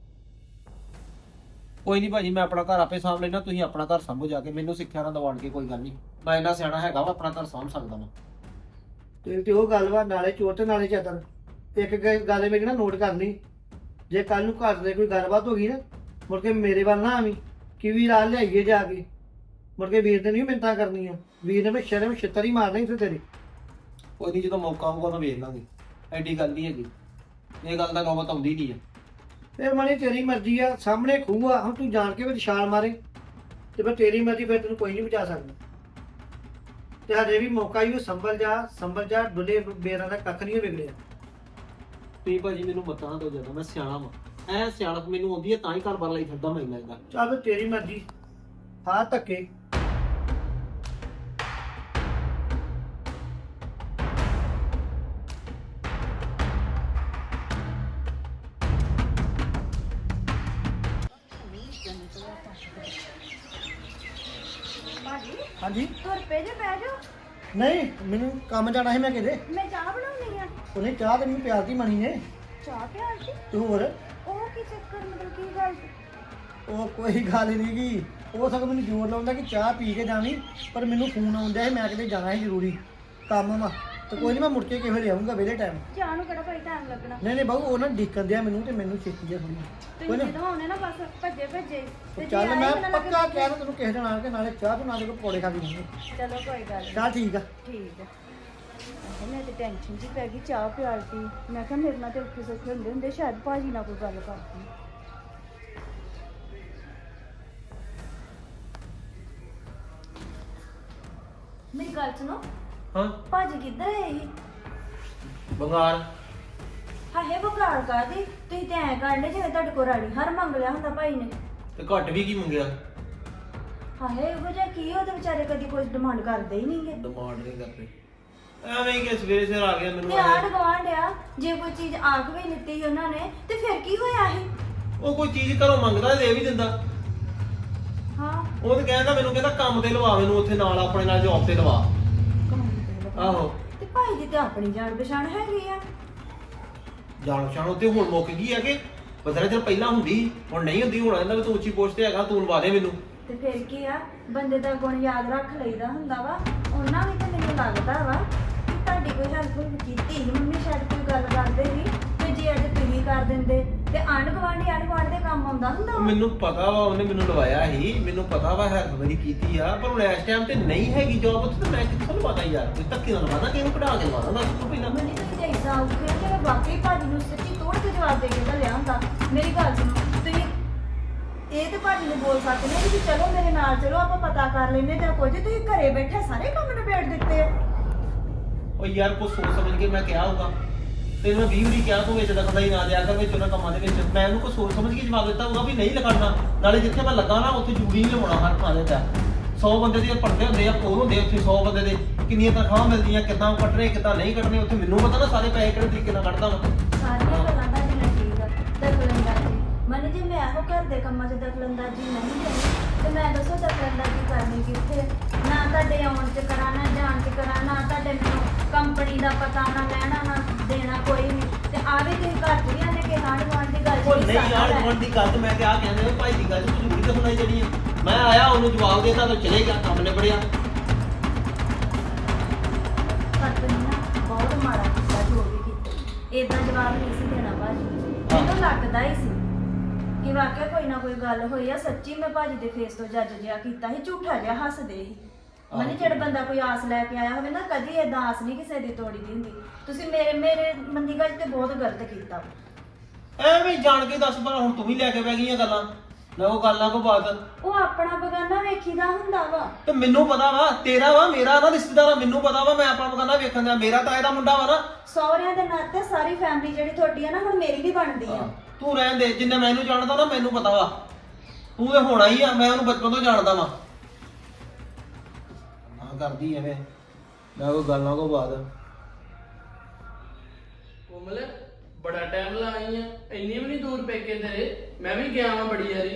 Speaker 4: ਕੋਈ ਨਹੀਂ ਭਾਜੀ ਮੈਂ ਆਪਣਾ ਘਰ ਆਪੇ ਸਾਂਭ ਲੈਣਾ ਤੁਸੀਂ ਆਪਣਾ ਘਰ ਸਾਂਭੋ ਜਾ ਕੇ ਮੈਨੂੰ ਸਿੱਖਿਆ ਨਾ ਦਵਾਣ ਕੇ ਕੋਈ ਗੱਲ ਨਹੀਂ ਮੈਂ ਇੰਨਾ ਸਿਆਣਾ ਹੈਗਾ ਵਾ ਆਪਣਾ ਘਰ ਸਾਂਭ ਸਕਦਾ ਵਾ
Speaker 2: ਤੇ ਉਹ ਗੱਲ ਵਾ ਨਾਲੇ ਚੋਰ ਤੇ ਨਾਲੇ ਚਾਦਰ ਇੱਕ ਗੱਲ ਮੇਰੀ ਨਾ ਨੋਟ ਕਰ ਲਈ ਜੇ ਕੱਲ ਨੂੰ ਘਰ ਦੇ ਕੋਈ ਗੱਲਬਾਤ ਹੋ ਗਈ ਨਾ ਮੁੜ ਕੇ ਮੇਰੇ ਵੱਲ ਨਾ ਆਵੀਂ ਕਿ ਵੀ ਰਾਲ ਲਿਆਈਏ ਜਾ ਕੇ ਮੁੜ ਕੇ ਵੀਰ ਤੇ ਨਹੀਂ ਮਿੰਤਾਂ ਕਰਨੀਆਂ ਵੀਰ ਨੇ ਮੈਂ ਸ਼ਰਮ ਛਿੱਤਰ ਹੀ ਮਾਰਨਾ ਇੱਥੇ ਤੇਰੇ
Speaker 4: ਕੋਈ ਨਹੀਂ ਜਦੋਂ ਮੌਕਾ ਆਊਗਾ ਤਾਂ ਵੇਖ ਲਾਂਗੇ ਐਡੀ ਗੱਲ ਨਹੀਂ ਹੈਗੀ ਇਹ ਗੱਲ ਦਾ ਨੌਬਤ ਆਉਂਦੀ ਨਹੀਂ ਆ
Speaker 2: ਫਿਰ ਮਣੀ ਤੇਰੀ ਮਰਜ਼ੀ ਆ ਸਾਹਮਣੇ ਖੂਹ ਆ ਹੁਣ ਤੂੰ ਜਾਣ ਕੇ ਵੀ ਛਾਲ ਮਾਰੇ ਤੇ ਫਿਰ ਤੇਰੀ ਮਰਜ਼ੀ ਫਿਰ ਤੈਨੂੰ ਕੋਈ ਨਹੀਂ ਬਚਾ ਸਕਦਾ ਤੇ ਹਜੇ ਵੀ ਮੌਕਾ ਹੀ ਉਹ ਸੰਭਲ ਜਾ ਡੁੱਲੇ ਬੇਰਾਂ ਦਾ ਕੱਖ ਨਹੀਂ ਵਿਗੜਿਆ
Speaker 4: ਤੁਸੀਂ ਭਾਜੀ ਮੈਨੂੰ ਮਤਾਂ ਦੋ ਜਦੋਂ ਮੈਂ ਸਿਆਣਾ ਵਾ ਐ ਸਿਆਣਪ ਮੈਨੂੰ ਆਉਂਦੀ ਹੈ ਤਾਂ ਹੀ ਘਰ ਬਾਰ ਲਈ ਫਿਰਦਾ ਮੈਂ ਲੱਗਦਾ
Speaker 2: ਚੱਲ ਫਿਰ ਤੇਰੀ ਮਰਜ਼ੀ ਹਾਂ ਧੱਕੇ ਹਾਂਜੀ
Speaker 3: ਤੁਰ ਪਏ ਜੇ ਬਹਿ ਜਾਓ
Speaker 2: ਨਹੀਂ ਮੈਨੂੰ ਕੰਮ ਜਾਣਾ ਸੀ ਮੈਂ ਕਿਤੇ
Speaker 3: ਮੈਂ ਚਾਹ ਬਣਾਉਣੀ ਆ
Speaker 2: ਉਹਨੇ ਚਾਹ ਤੇ ਮੈਨੂੰ ਪਿਆਰ ਦੀ ਮਣੀ ਨੇ
Speaker 3: ਚਾਹ ਪਿਆਰ ਦੀ
Speaker 2: ਤੇ ਹੋਰ
Speaker 3: ਉਹ ਕੀ ਚੱਕਰ ਮਤਲਬ ਕੀ ਗੱਲ
Speaker 2: ਉਹ ਕੋਈ ਗੱਲ ਨਹੀਂ ਗੀ ਉਹ ਸਗੋਂ ਮੈਨੂੰ ਜ਼ੋਰ ਲਾਉਂਦਾ ਕਿ ਚਾਹ ਪੀ ਕੇ ਜਾਣੀ ਪਰ ਮੈਨੂੰ ਫੋਨ ਆਉਂਦਾ ਹੈ ਮੈਂ ਕਿਤੇ ਜਾਣਾ ਹੈ ਜ਼ਰੂਰੀ ਕੰਮ ਵਾ ਤੇ ਕੋਈ ਨਹੀਂ ਮੈਂ ਮੁੜ ਕੇ ਕਿਵੇਂ ਲਿਆਉਂਗਾ ਵੇਲੇ ਟਾਈਮ
Speaker 3: ਚਾਹ ਨੂੰ ਕਿਹੜਾ ਭਾਈ ਟਾਈਮ ਲੱਗਣਾ
Speaker 2: ਨਹੀਂ ਬਾਬੂ ਉਹ ਨਾ ਡੀਕਨ ਦਿਆ ਮੈਨੂੰ ਤੇ ਮੈਨੂੰ ਛੇਤੀ ਆ ਥੋੜੀ
Speaker 3: ਤੁਸੀਂ
Speaker 2: ਕੋਈ ਨਾ
Speaker 3: ਜਦੋਂ ਆਉਣੇ ਨਾ ਬਸ ਭੱਜੇ ਭੱਜੇ ਤੇ ਜੇ
Speaker 2: ਚੱਲ
Speaker 3: ਆਏ
Speaker 2: ਮੈਂ
Speaker 3: ਮੈਨੂੰ ਲੱਗੇ
Speaker 2: ਪੱਕਾ ਕਹਿ ਰਿਹਾ ਤੈਨੂੰ ਕਿਸੇ ਦਿਨ ਆ ਕੇ ਨਾਲੇ ਚਾਹ ਬਣਾ ਦੇ ਕੋ ਪਕੌੜੇ ਖਾ ਕੇ ਜਾਵਾਂਗੇ
Speaker 3: ਚਲੋ ਕੋਈ ਗੱਲ ਨਹੀਂ
Speaker 2: ਚੱਲ ਠੀਕ ਆ
Speaker 3: ਠੀਕ ਹੈ ਮੈਂ ਤੇ ਟੈਨਸ਼ਨ ਜੀ ਪੈ ਗਈ ਚਾਹ ਪਿਆਲ ਦੀ ਮੈਂ ਕਿਹਾ ਮੇਰੇ ਨਾਲ ਤੇ ਔਖੇ ਸੌਖੇ ਹੁੰਦੇ ਸ਼ਾਇਦ ਭਾਜੀ ਨਾਲ ਕੋਈ ਗੱਲ ਕਰਦੀ ਮੇਰੀ ਗੱਲ ਸੁਣੋ
Speaker 4: ਹਾਂ
Speaker 3: ਭਾਜੀ ਕਿੱਧਰ ਹੈ ਇਹ
Speaker 4: ਬੰਗਾਲ
Speaker 3: ਹਾਏ ਬਕਾਰ ਕਾਦੀ ਤੁਸੀਂ ਤੇ ਐ ਕਰਨੇ ਜਿਵੇਂ ਤੁਹਾਡੇ ਕੋਲ ਰਾਣੀ ਹਰ ਮੰਗ ਲਿਆ ਹੁੰਦਾ ਭਾਈ ਨੇ
Speaker 4: ਤੇ ਘੱਟ ਵੀ ਕੀ ਮੰਗਿਆ
Speaker 3: ਹਾਏ ਉਹ ਜਿਹਾ ਕੀ ਉਹ ਤੇ ਵਿਚਾਰੇ ਕਦੀ ਕੋਈ ਡਿਮਾਂਡ ਕਰਦੇ ਹੀ ਨਹੀਂਗੇ
Speaker 4: ਡਿਮਾਂਡ ਨਹੀਂ ਕਰਦੇ ਐਵੇਂ ਹੀ ਕਿ ਸਵੇਰੇ ਸਿਰ ਆ ਗਿਆ ਮੈਨੂੰ
Speaker 3: ਤੇ ਆੜ ਗਵਾਂਡ ਆ ਜੇ ਕੋਈ ਚੀਜ਼ ਆਖ ਵੀ ਲਿੱਤੀ ਉਹਨਾਂ ਨੇ ਤੇ ਫਿਰ ਕੀ ਹੋਇਆ ਇਹ
Speaker 4: ਉਹ ਕੋਈ ਚੀਜ਼ ਘਰੋਂ ਮੰਗਦਾ ਦੇ ਵੀ ਦਿੰਦਾ
Speaker 3: ਹਾਂ
Speaker 4: ਉਹ ਤੇ ਕਹਿੰਦਾ ਮੈਨੂੰ ਕਹਿੰਦਾ ਕੰਮ ਤੇ ਲਵਾ ਮੈਨੂੰ ਉੱਥੇ ਨਾਲ ਆਪਣੇ ਨਾਲ ਜੌਬ ਤੇ ਲਵਾ।
Speaker 3: ਕੰਮ ਤੇ ਲਗਾ।
Speaker 4: ਆਹੋ
Speaker 3: ਤੇ ਭਾਈ ਦੀ ਤੇ ਆਪਣੀ ਜਾਣ ਪਛਾਣ ਹੈਗੀ ਆ।
Speaker 4: ਜਾਣ ਪਛਾਣ ਉੱਤੇ ਹੁਣ ਮੁੱਕ ਗਈ ਹੈ ਕਿ ਬਥੇਰੇ ਦਿਨ ਪਹਿਲਾਂ ਹੁੰਦੀ ਹੁਣ ਨਹੀਂ ਹੁੰਦੀ। ਹੁਣ ਕਹਿੰਦਾ ਵੀ ਤੂੰ ਉੱਚੀ ਪੋਸਟ ਤੇ ਹੈਗਾ ਤੂੰ ਲਵਾ ਦੇ ਮੈਨੂੰ।
Speaker 3: ਤੇ ਫਿਰ ਕੀ ਆ ਬੰਦੇ ਦਾ ਗੁਣ ਯਾਦ ਰੱਖ ਲਈਦਾ ਹੁੰਦਾ ਵਾ। ਉਹਨਾਂ ਵੀ ਤੇ ਮੈਨੂੰ ਲੱਗਦਾ ਵਾ ਕਿ ਤੁਹਾਡੀ ਕੋਈ ਹੈਲਪ ਕੀਤੀ ਸੀ ਮੰਮੀ ਸ਼ਾਇਦ ਕੋਈ ਗੱਲ ਕਰਦੇ ਸੀ ਤੇ ਜੇ ਅੱਜ ਤੁਸੀਂ ਕਰ ਦਿੰਦੇ ਤੇ ਆਂਢ ਗੁਆਂਢ ਦੇ ਕੰਮ ਆਉਂਦਾ ਹੁੰਦਾ ਵਾ।
Speaker 4: ਮੈਨੂੰ ਪਤਾ ਵਾ ਉਹਨੇ ਮੈਨੂੰ ਲਵਾਇਆ ਸੀ, ਮੈਨੂੰ ਪਤਾ ਵਾ ਹੈਲਪ ਮੇਰੀ ਕੀਤੀ ਆ, ਪਰ ਹੁਣ ਇਸ ਟਾਈਮ ਤੇ ਨਹੀਂ ਹੈਗੀ ਜੌਬ ਉੱਥੇ ਤੇ ਮੈਂ ਕਿੱਥੋਂ ਲਵਾਦਾ ਯਾਰ। ਕੋਈ ਧੱਕੇ ਨਾਲ ਲਵਾਦਾ ਕਿਹਨੂੰ ਕਢਾ ਕੇ ਲਵਾਦਾ ਦੱਸ ਤੂੰ ਪਹਿਲਾਂ।
Speaker 3: ਮੈਨੂੰ ਤਾਂ ਜੇ ਇਦਾਂ ਆਉਗੇ ਕਿ ਮੈਂ ਵਾਕਈ ਭਾਜੀ ਨੂੰ ਸੱਚੀ ਤੋੜ ਕੇ ਜਵਾਬ ਦੇ ਕੇ ਘੱਲਿਆ ਹੁੰਦਾ। ਮੇਰੀ ਗੱਲ ਸੁਣੋ ਤੁਸੀਂ ਇਹ ਤੇ ਭਾਜੀ ਨੂੰ ਬੋਲ ਸਕਦੇ ਨੇ ਕਿ ਚਲੋ ਮੇਰੇ ਨਾਲ ਚਲੋ ਆਪਾਂ ਪਤਾ ਕਰ ਲੈਨੇ ਜਾਂ ਕੁਝ। ਤੁਸੀਂ ਘਰੇ ਬੈਠੇ ਸਾਰੇ ਕੰਮ ਨਿਬੇੜ ਦਿੱਤੇ ਆ।
Speaker 4: ਉਹ ਯਾਰ ਕੁਛ ਸੋਚ ਸਮਝ ਕੇ ਮੈਂ ਕਿਹਾ ਹੋਊਗਾ ਤੈਨੂੰ ਮੈਂ 20 ਵਾਰੀ ਕਿਹਾ ਤੂੰ ਵਿੱਚ ਦਖਲ ਹੀ ਨਾ ਦਿਆ ਕਰ ਵਿੱਚ ਉਹਨਾਂ ਕੰਮਾਂ ਦੇ ਵਿੱਚ। ਮੈਂ ਉਹਨੂੰ ਕੁਛ ਸੋਚ ਸਮਝ ਕੇ ਜਵਾਬ ਦਿੱਤਾ ਹੋਊਗਾ ਵੀ ਨਹੀਂ ਲਿਖਾਉਣਾ। ਨਾਲੇ ਜਿੱਥੇ ਮੈਂ ਲੱਗਾ ਨਾ ਉੱਥੇ ਜ਼ਰੂਰੀ ਨਹੀਂ ਲਵਾਉਣਾ ਹਰ ਥਾਂ ਤੇ। 100 ਬੰਦੇ ਦੇ ਪੜਦੇ ਹੁੰਦੇ ਆ ਕੋਲ ਹੁੰਦੇ ਉੱਥੇ 100 ਬੰਦੇ ਦੇ ਕਿੰਨੀਆਂ ਤਨਖਾਹਾਂ ਮਿਲਦੀਆਂ ਕਿੱਦਾਂ ਕੱਟਣੇ ਕਿੱਦਾਂ ਨਹੀਂ ਕੱਟਣੇ ਉੱਥੇ ਮੈਨੂੰ ਪਤਾ ਨਾ ਸਾਰੇ ਪੈਸੇ ਕਿਹੜੇ ਤਰੀਕੇ ਨਾਲ ਕੱਢਦਾ ਵਾ।
Speaker 3: ਸਾਰੀਆਂ ਗੱਲਾਂ ਦਾ ਜਿੰਨਾ ਠੀਕ ਆ ਦਖਲਅੰਦਾਜ਼ੀ ਮਨ ਜੇ ਮੈਂ ਇਹੋ ਘਰ ਦੇ ਕੰਮਾਂ 'ਚ ਦਖਲਅੰਦਾਜ਼ੀ ਨਹੀਂ ਕਰਨੀ ਤੇ ਮੈਂ ਦੱਸੋ ਦਖਲਅੰਦਾਜ਼ੀ ਕਰਨੀ ਕਿੱਥੇ। ਨਾ ਤੁਹਾਡੇ ਆਉਣ 'ਚ ਕਰਾਂ ਨਾ ਜਾਣ 'ਚ ਕਰਾਂ ਨਾ ਤੁਹਾਡੇ ਮੈਨੂੰ ਕੰਪਨੀ ਦਾ ਪਤਾ ਨਾ ਲੈਣਾ ਨਾ ਦੇਣਾ ਕੋਈ ਨਹੀਂ। ਤੇ ਆਵੇ ਤੁਸੀਂ ਘਰ 'ਚ ਵੀ ਆਨੇ ਕਿ ਆਂਢ ਗੁਆਂਢ ਦੀ ਗੱਲ
Speaker 4: ਉਹ
Speaker 3: ਜਿਹੜੀ
Speaker 4: ਨਹੀਂ ਯਾਰ
Speaker 3: ਸਾਡਾ
Speaker 4: ਗੁਆਂਢ ਦੀ ਗੱਲ ਤੇ ਮੈਂ ਕਿਹਾ ਕਹਿੰਦੇ ਨੇ ਭਾਈ ਦੀ ਗੱਲ ਤੂੰ ਜ਼ਰੂਰੀ ਤੇ ਸੁਣਾਈ ਜਿਹੜੀ ਹੈ। ਮੈਂ ਆਇਆ ਉਹਨੂੰ ਜਵਾਬ ਦੇਤਾ ਤਾਂ ਚਲੇ ਗਿਆ ਕੰਮ ਨਿਬੜਿਆ।
Speaker 3: ਪਰ ਤੁਸੀਂ ਨਾ ਬਹੁਤ ਮਾੜਾ ਕੀਤਾ ਜੋ ਵੀ ਕੀਤਾ। ਏਦਾਂ ਜਵਾਬ ਨਹੀਂ ਸੀ ਦੇਣਾ ਭਾਜੀ। ਮੈਨੂੰ ਲੱਗਦਾ ਹੀ ਸੀ ਕਿ ਵਾਕਿਆ ਕੋਈ ਨਾ ਕੋਈ ਗੱਲ ਹੋਈ ਆ। ਸੱਚੀ ਮੈਂ ਭਾਜੀ ਦੇ ਫੇਸ ਤੋਂ ਜੱਜ ਜਿਹਾ ਕੀਤਾ ਸੀ ਝੂਠਾ ਜਿਹਾ ਹੱਸਦੇ ਸੀ। ਮਨੀ ਜਿਹੜਾ ਬੰਦਾ ਕੋਈ ਆਸ ਲੈ ਕੇ ਆਇਆ ਹੋਵੇ ਨਾ ਕਦੀ ਏਦਾਂ ਆਸ ਨਹੀਂ ਕਿਸੇ ਦੀ ਤੋੜੀ ਦੀ ਹੁੰਦੀ। ਤੁਸੀਂ ਮੇਰੇ ਮੰਦੀ ਗੱਲ ਤੇ ਬਹੁਤ ਗਲਤ ਕੀਤਾ।
Speaker 4: ਐਵੇਂ ਜਾਣ ਕੇ ਦੱਸ ਪਰ ਹੁਣ ਤੂੰ ਵੀ ਲੈ ਕੇ ਬਹਿ ਗਈਆਂ ਗੱਲਾਂ ਨਾ ਉਹ ਗੱਲਾਂ ਕੋ ਬਾਤ।
Speaker 3: ਉਹ ਆਪਣਾ ਬਗਾਨਾ ਵੇਖੀਦਾ ਹੁੰਦਾ ਵਾ।
Speaker 4: ਤੇ ਮੈਨੂੰ ਪਤਾ ਵਾ ਤੇਰਾ ਵਾ ਮੇਰਾ ਨਾ ਰਿਸ਼ਤੇਦਾਰ ਮੈਨੂੰ ਪਤਾ ਵਾ ਮੈਂ ਆਪਣਾ ਬਗਾਨਾ ਵੇਖਣ ਦਾ। ਮੇਰਾ ਤਾਂ ਇਹਦਾ ਮੁੰਡਾ ਵਾ ਨਾ।
Speaker 3: ਸਹੁਰਿਆਂ ਦੇ ਨਾਤੇ ਸਾਰੀ ਫੈਮਿਲੀ ਜਿਹੜੀ ਤੁਹਾਡੀ ਆ ਨਾ ਹੁਣ ਮੇਰੀ ਵੀ ਬਣਦੀ ਆ।
Speaker 4: ਤੂੰ ਰਹਿਣ ਦੇ ਜਿੰਨੇ ਮੈਨੂੰ ਜਾਣਦਾ ਨਾ ਮੈਨੂੰ ਪਤਾ ਵਾ ਤੂੰ ਤੇ ਹੋਣਾ ਹੀ ਆ। ਮੈਂ ਉਹਨੂੰ ਬਚਪਨ ਤੋਂ ਜਾਣਦਾ ਵਾ। ਹਾਂ ਕਰਦੀ ਐਵੇਂ ਨਾ ਕੋਈ ਗੱਲਾਂ ਕੋ ਬਾਤ।
Speaker 5: ਕੋਮਲ ਬੜਾ ਟਾਈਮ ਲਾਈ ਆ ਇੰਨੀ ਵੀ ਨਹੀਂ ਦੂਰ ਪੇਕੇ ਤੇਰੇ। ਮੈਂ ਵੀ ਗਿਆ ਵਾਂ ਬੜੀ ਵਾਰੀ।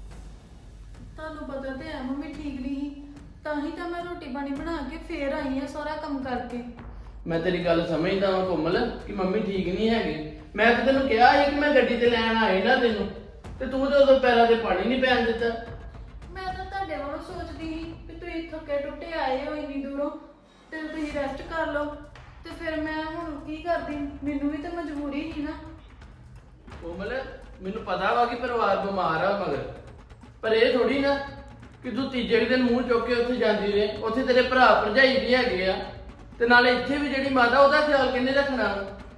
Speaker 6: ਤੁਹਾਨੂੰ ਪਤਾ ਤੇ ਹੈ ਮੰਮੀ ਠੀਕ ਨਹੀਂ ਸੀ ਤਾਂ ਹੀ ਤਾਂ ਮੈਂ ਰੋਟੀ ਪਾਣੀ ਬਣਾ ਕੇ ਫੇਰ ਆਈ ਆ ਸਾਰਾ ਕੰਮ ਕਰਕੇ।
Speaker 5: ਮੈਂ ਤੇਰੀ ਗੱਲ ਸਮਝਦਾ ਵਾਂ ਕੋਮਲ ਕਿ ਮੰਮੀ ਠੀਕ ਨਹੀਂ ਹੈਗੀ। ਮੈਂ ਤਾਂ ਤੈਨੂੰ ਕਿਹਾ ਸੀ ਕਿ ਮੈਂ ਗੱਡੀ ਤੇ ਲੈਣ ਆਈ ਨਾ ਤੈਨੂੰ ਤੇ ਤੂੰ ਤੇ ਉਦੋਂ ਪੈਰਾਂ ਤੇ ਪਾਣੀ ਨਹੀਂ ਪੈਣ ਦਿੱਤਾ।
Speaker 6: ਮੈਂ ਤਾਂ ਤੁਹਾਡੇ ਵੱਲੋਂ ਸੋਚਦੀ ਸੀ ਕਿ ਤੁਸੀਂ ਥੱਕੇ ਟੁੱਟੇ ਆਏ ਹੋ ਇੰਨੀ ਦੂਰੋਂ ਤੇ ਤੁਸੀਂ ਰੈਸਟ ਕਰ ਲਓ ਤੇ ਫਿਰ ਮੈਂ ਹੁਣ ਕੀ ਕਰਦੀ। ਮੈਨੂੰ ਵੀ ਤਾਂ ਮਜਬੂਰੀ ਸੀ ਨਾ।
Speaker 5: ਕੋਮਲ ਮੈਨੂੰ ਪਤਾ ਵਾ ਕਿ ਪਰਿਵਾਰ ਬਿਮਾਰ ਆ ਮਗਰ ਪਰ ਇਹ ਥੋੜੀ ਨਾ ਕਿ ਤੂੰ ਤੀਜੇ ਕੁ ਦਿਨ ਮੂੰਹ ਚੁੱਕ ਕੇ ਉੱਥੇ ਜਾਂਦੀ ਰਹੇ। ਉੱਥੇ ਤੇਰੇ ਭਰਾ ਭਰਜਾਈ ਵੀ ਹੈਗੇ ਆ ਤੇ ਨਾਲੇ ਇੱਥੇ ਵੀ ਜਿਹੜੀ ਮਾਤਾ ਉਹਦਾ ਖਿਆਲ ਕਿੰਨੇ ਰੱਖਣਾ।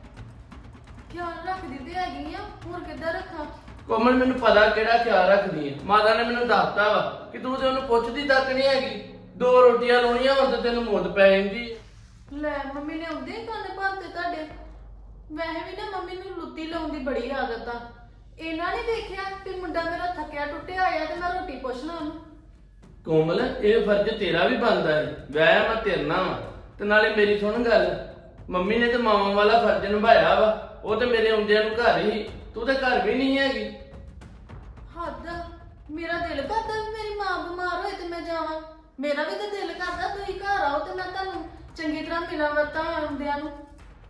Speaker 6: ਖਿਆਲ ਰੱਖਦੀ ਤੇ ਹੈਗੀ ਆ ਹੋਰ ਕਿੱਦਾਂ ਰੱਖਾਂ।
Speaker 5: ਕੋਮਲ ਮੈਨੂੰ ਪਤਾ ਕਿਹੜਾ ਖਿਆਲ ਰੱਖਦੀ ਹੈ। ਮਾਤਾ ਨੇ ਮੈਨੂੰ ਦੱਸਤਾ ਵਾ ਕਿ ਤੂੰ ਤੇ ਉਹਨੂੰ ਪੁੱਛਦੀ ਤੱਕ ਨਹੀਂ ਹੈਗੀ। 2 ਰੋਟੀਆਂ ਲਾਉਣੀਆਂ ਹੁਣ ਤੇ ਤੈਨੂੰ ਮੁੱਦ ਪੈ ਜਾਂਦੀ ਹੈ।
Speaker 6: ਲੈ ਮੰਮੀ ਨੇ ਆਉਂਦੇ ਹੀ ਕੰਨ ਭਰਤੇ ਤੁਹਾਡੇ। ਵੈਸੇ ਵੀ ਨਾ ਮੰਮੀ ਨੂੰ ਲੁੱਤੀ ਲਾਉਣ ਦੀ ਬੜੀ ਆਦਤ ਆ। ਇਹਨਾਂ ਨੇ ਦੇਖਿਆ ਕਿ ਮੁੰਡਾ ਮੇਰਾ ਥੱਕਿਆ ਟੁੱਟਿਆ ਆਇਆ ਤੇ ਮੈਂ ਰੋਟੀ ਪੁੱਛ ਲਾਂ ਉਹਨੂੰ।
Speaker 5: ਕੋਮਲ ਇਹ ਫਰਜ਼ ਤੇਰਾ ਵੀ ਬਣਦਾ ਹੈ। ਵਿਆਹ ਮੈਂ ਤੇਰੇ ਨਾਲ ਵਾ ਤੇ ਨਾਲੇ ਮੇਰੀ ਸੁਣ ਗੱਲ ਮੰਮੀ ਨੇ ਤੇ ਮਾਵਾਂ ਵਾਲਾ ਫਰਜ਼ ਨਿਭਾਇਆ ਵਾ। ਉਹ ਤੇ ਮੇਰੇ ਆਉਂਦਿਆਂ ਨੂੰ ਘਰ ਹੀ ਤੂੰ ਤੇ ਘਰ ਵੀ ਨਹੀਂ ਹੈਗੀ।
Speaker 6: ਹੱਦ ਮੇਰਾ ਦਿਲ ਕਰਦਾ ਵੀ ਮੇਰੀ ਮਾਂ ਬਿਮਾਰ ਹੋਏ ਤੇ ਮੈਂ ਜਾਵਾਂ। ਮੇਰਾ ਵੀ ਤਾਂ ਦਿਲ ਕਰਦਾ ਤੁਸੀਂ ਘਰ ਆਓ ਤੇ ਮੈਂ ਤੁਹਾਨੂੰ ਚੰਗੀ ਤਰ੍ਹਾਂ ਮਿਲਾਂ ਵਰਤਾਂ ਆਉਂਦਿਆਂ ਨੂੰ।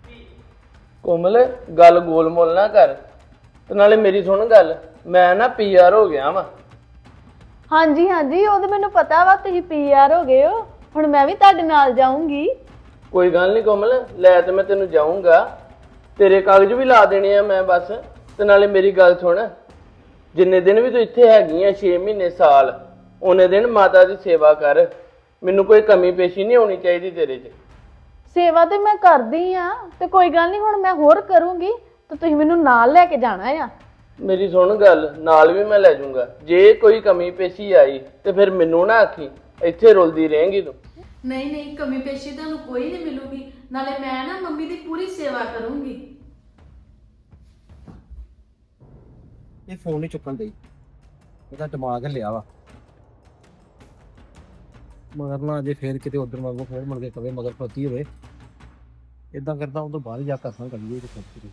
Speaker 5: ਕੋਮਲ ਗੱਲ ਗੋਲ ਮੋਲ ਨਾ ਕਰ ਤੇ ਨਾਲੇ ਮੇਰੀ ਸੁਣ ਗੱਲ ਮੈਂ ਨਾ ਪੀਆਰ ਹੋ ਗਿਆ ਵਾ।
Speaker 7: ਹਾਂਜੀ ਹਾਂਜੀ ਉਹ ਤਾਂ ਮੈਨੂੰ ਪਤਾ ਵਾ ਤੁਸੀਂ ਪੀਆਰ ਹੋ ਗਏ ਹੋ। ਹੁਣ ਮੈਂ ਵੀ ਤੁਹਾਡੇ ਨਾਲ ਜਾਊਂਗੀ।
Speaker 5: ਕੋਈ ਗੱਲ ਨਹੀਂ ਕੋਮਲ ਲੈ ਤੇ ਮੈਂ ਤੈਨੂੰ ਜਾਊਂਗਾ। ਤੇਰੇ ਕਾਗਜ਼ ਵੀ ਲਾ ਦੇਣੇ ਆ ਮੈਂ ਬਸ। ਤੇ ਨਾਲੇ ਮੇਰੀ ਗੱਲ ਸੁਣ ਜਿੰਨੇ ਦਿਨ ਵੀ ਤੂੰ ਇੱਥੇ ਹੈਗੀ ਆ 6 ਮਹੀਨੇ ਸਾਲ ਉਹਨੇ ਦਿਨ ਮਾਤਾ ਦੀ ਸੇਵਾ ਕਰ। ਮੈਨੂੰ ਕੋਈ ਕਮੀ ਪੇਸ਼ੀ ਨਹੀਂ ਹੋਣੀ ਚਾਹੀਦੀ ਤੇਰੇ 'ਚ।
Speaker 7: ਸੇਵਾ ਤੇ ਮੈਂ ਕਰਦੀ ਆ ਤੇ ਕੋਈ ਗੱਲ ਨਹੀਂ ਹੁਣ ਮੈਂ ਹੋਰ ਕਰੂੰਗੀ ਤੇ ਤੁਸੀਂ ਮੈਨੂੰ ਨਾਲ ਲੈ ਕੇ ਜਾਣਾ ਆ।
Speaker 5: ਮੇਰੀ ਸੁਣ ਗੱਲ ਨਾਲ ਵੀ ਮੈਂ ਲੈ ਜਾਊਂਗਾ। ਜੇ ਕੋਈ ਕਮੀ ਪੇਸ਼ੀ ਆਈ ਤੇ ਫਿਰ ਮੈਨੂੰ ਨਾ ਆਖੀ ਇੱਥੇ ਰੁਲਦੀ ਰਹੇਂਗੀ ਤੂੰ।
Speaker 6: ਨਹੀਂ ਨਹੀਂ ਕਮੀ ਪੇਸ਼ੀ ਤੁਹਾਨੂੰ ਕੋਈ ਨਹੀਂ ਮਿਲੂਗੀ। ਨਾਲੇ ਮੈਂ ਨਾ ਮੰਮੀ ਦੀ ਪੂਰੀ ਸੇਵਾ ਕਰੂੰਗੀ।
Speaker 4: ਇਹ ਫੋਨ ਨਹੀਂ ਚੁੱਕਣ ਦੇਈ ਇਹਦਾ ਦਿਮਾਗ ਹਿੱਲਿਆ ਵਾ। ਮਗਰ ਨਾ ਜੇ ਫੇਰ ਕਿਤੇ ਉਧਰ ਵਾਂਗੂ ਫੇਰ ਮੁੜ ਕੇ ਕਵੇ ਮਗਰ ਫਤੀ ਹੋਵੇ ਇਦਾਂ ਕਰਦਾ ਉਹ ਤੋਂ ਬਾਹਰ ਜਾ ਕਰਸਾਂ ਕਰੀਏ ਤੇ ਫਤੀ।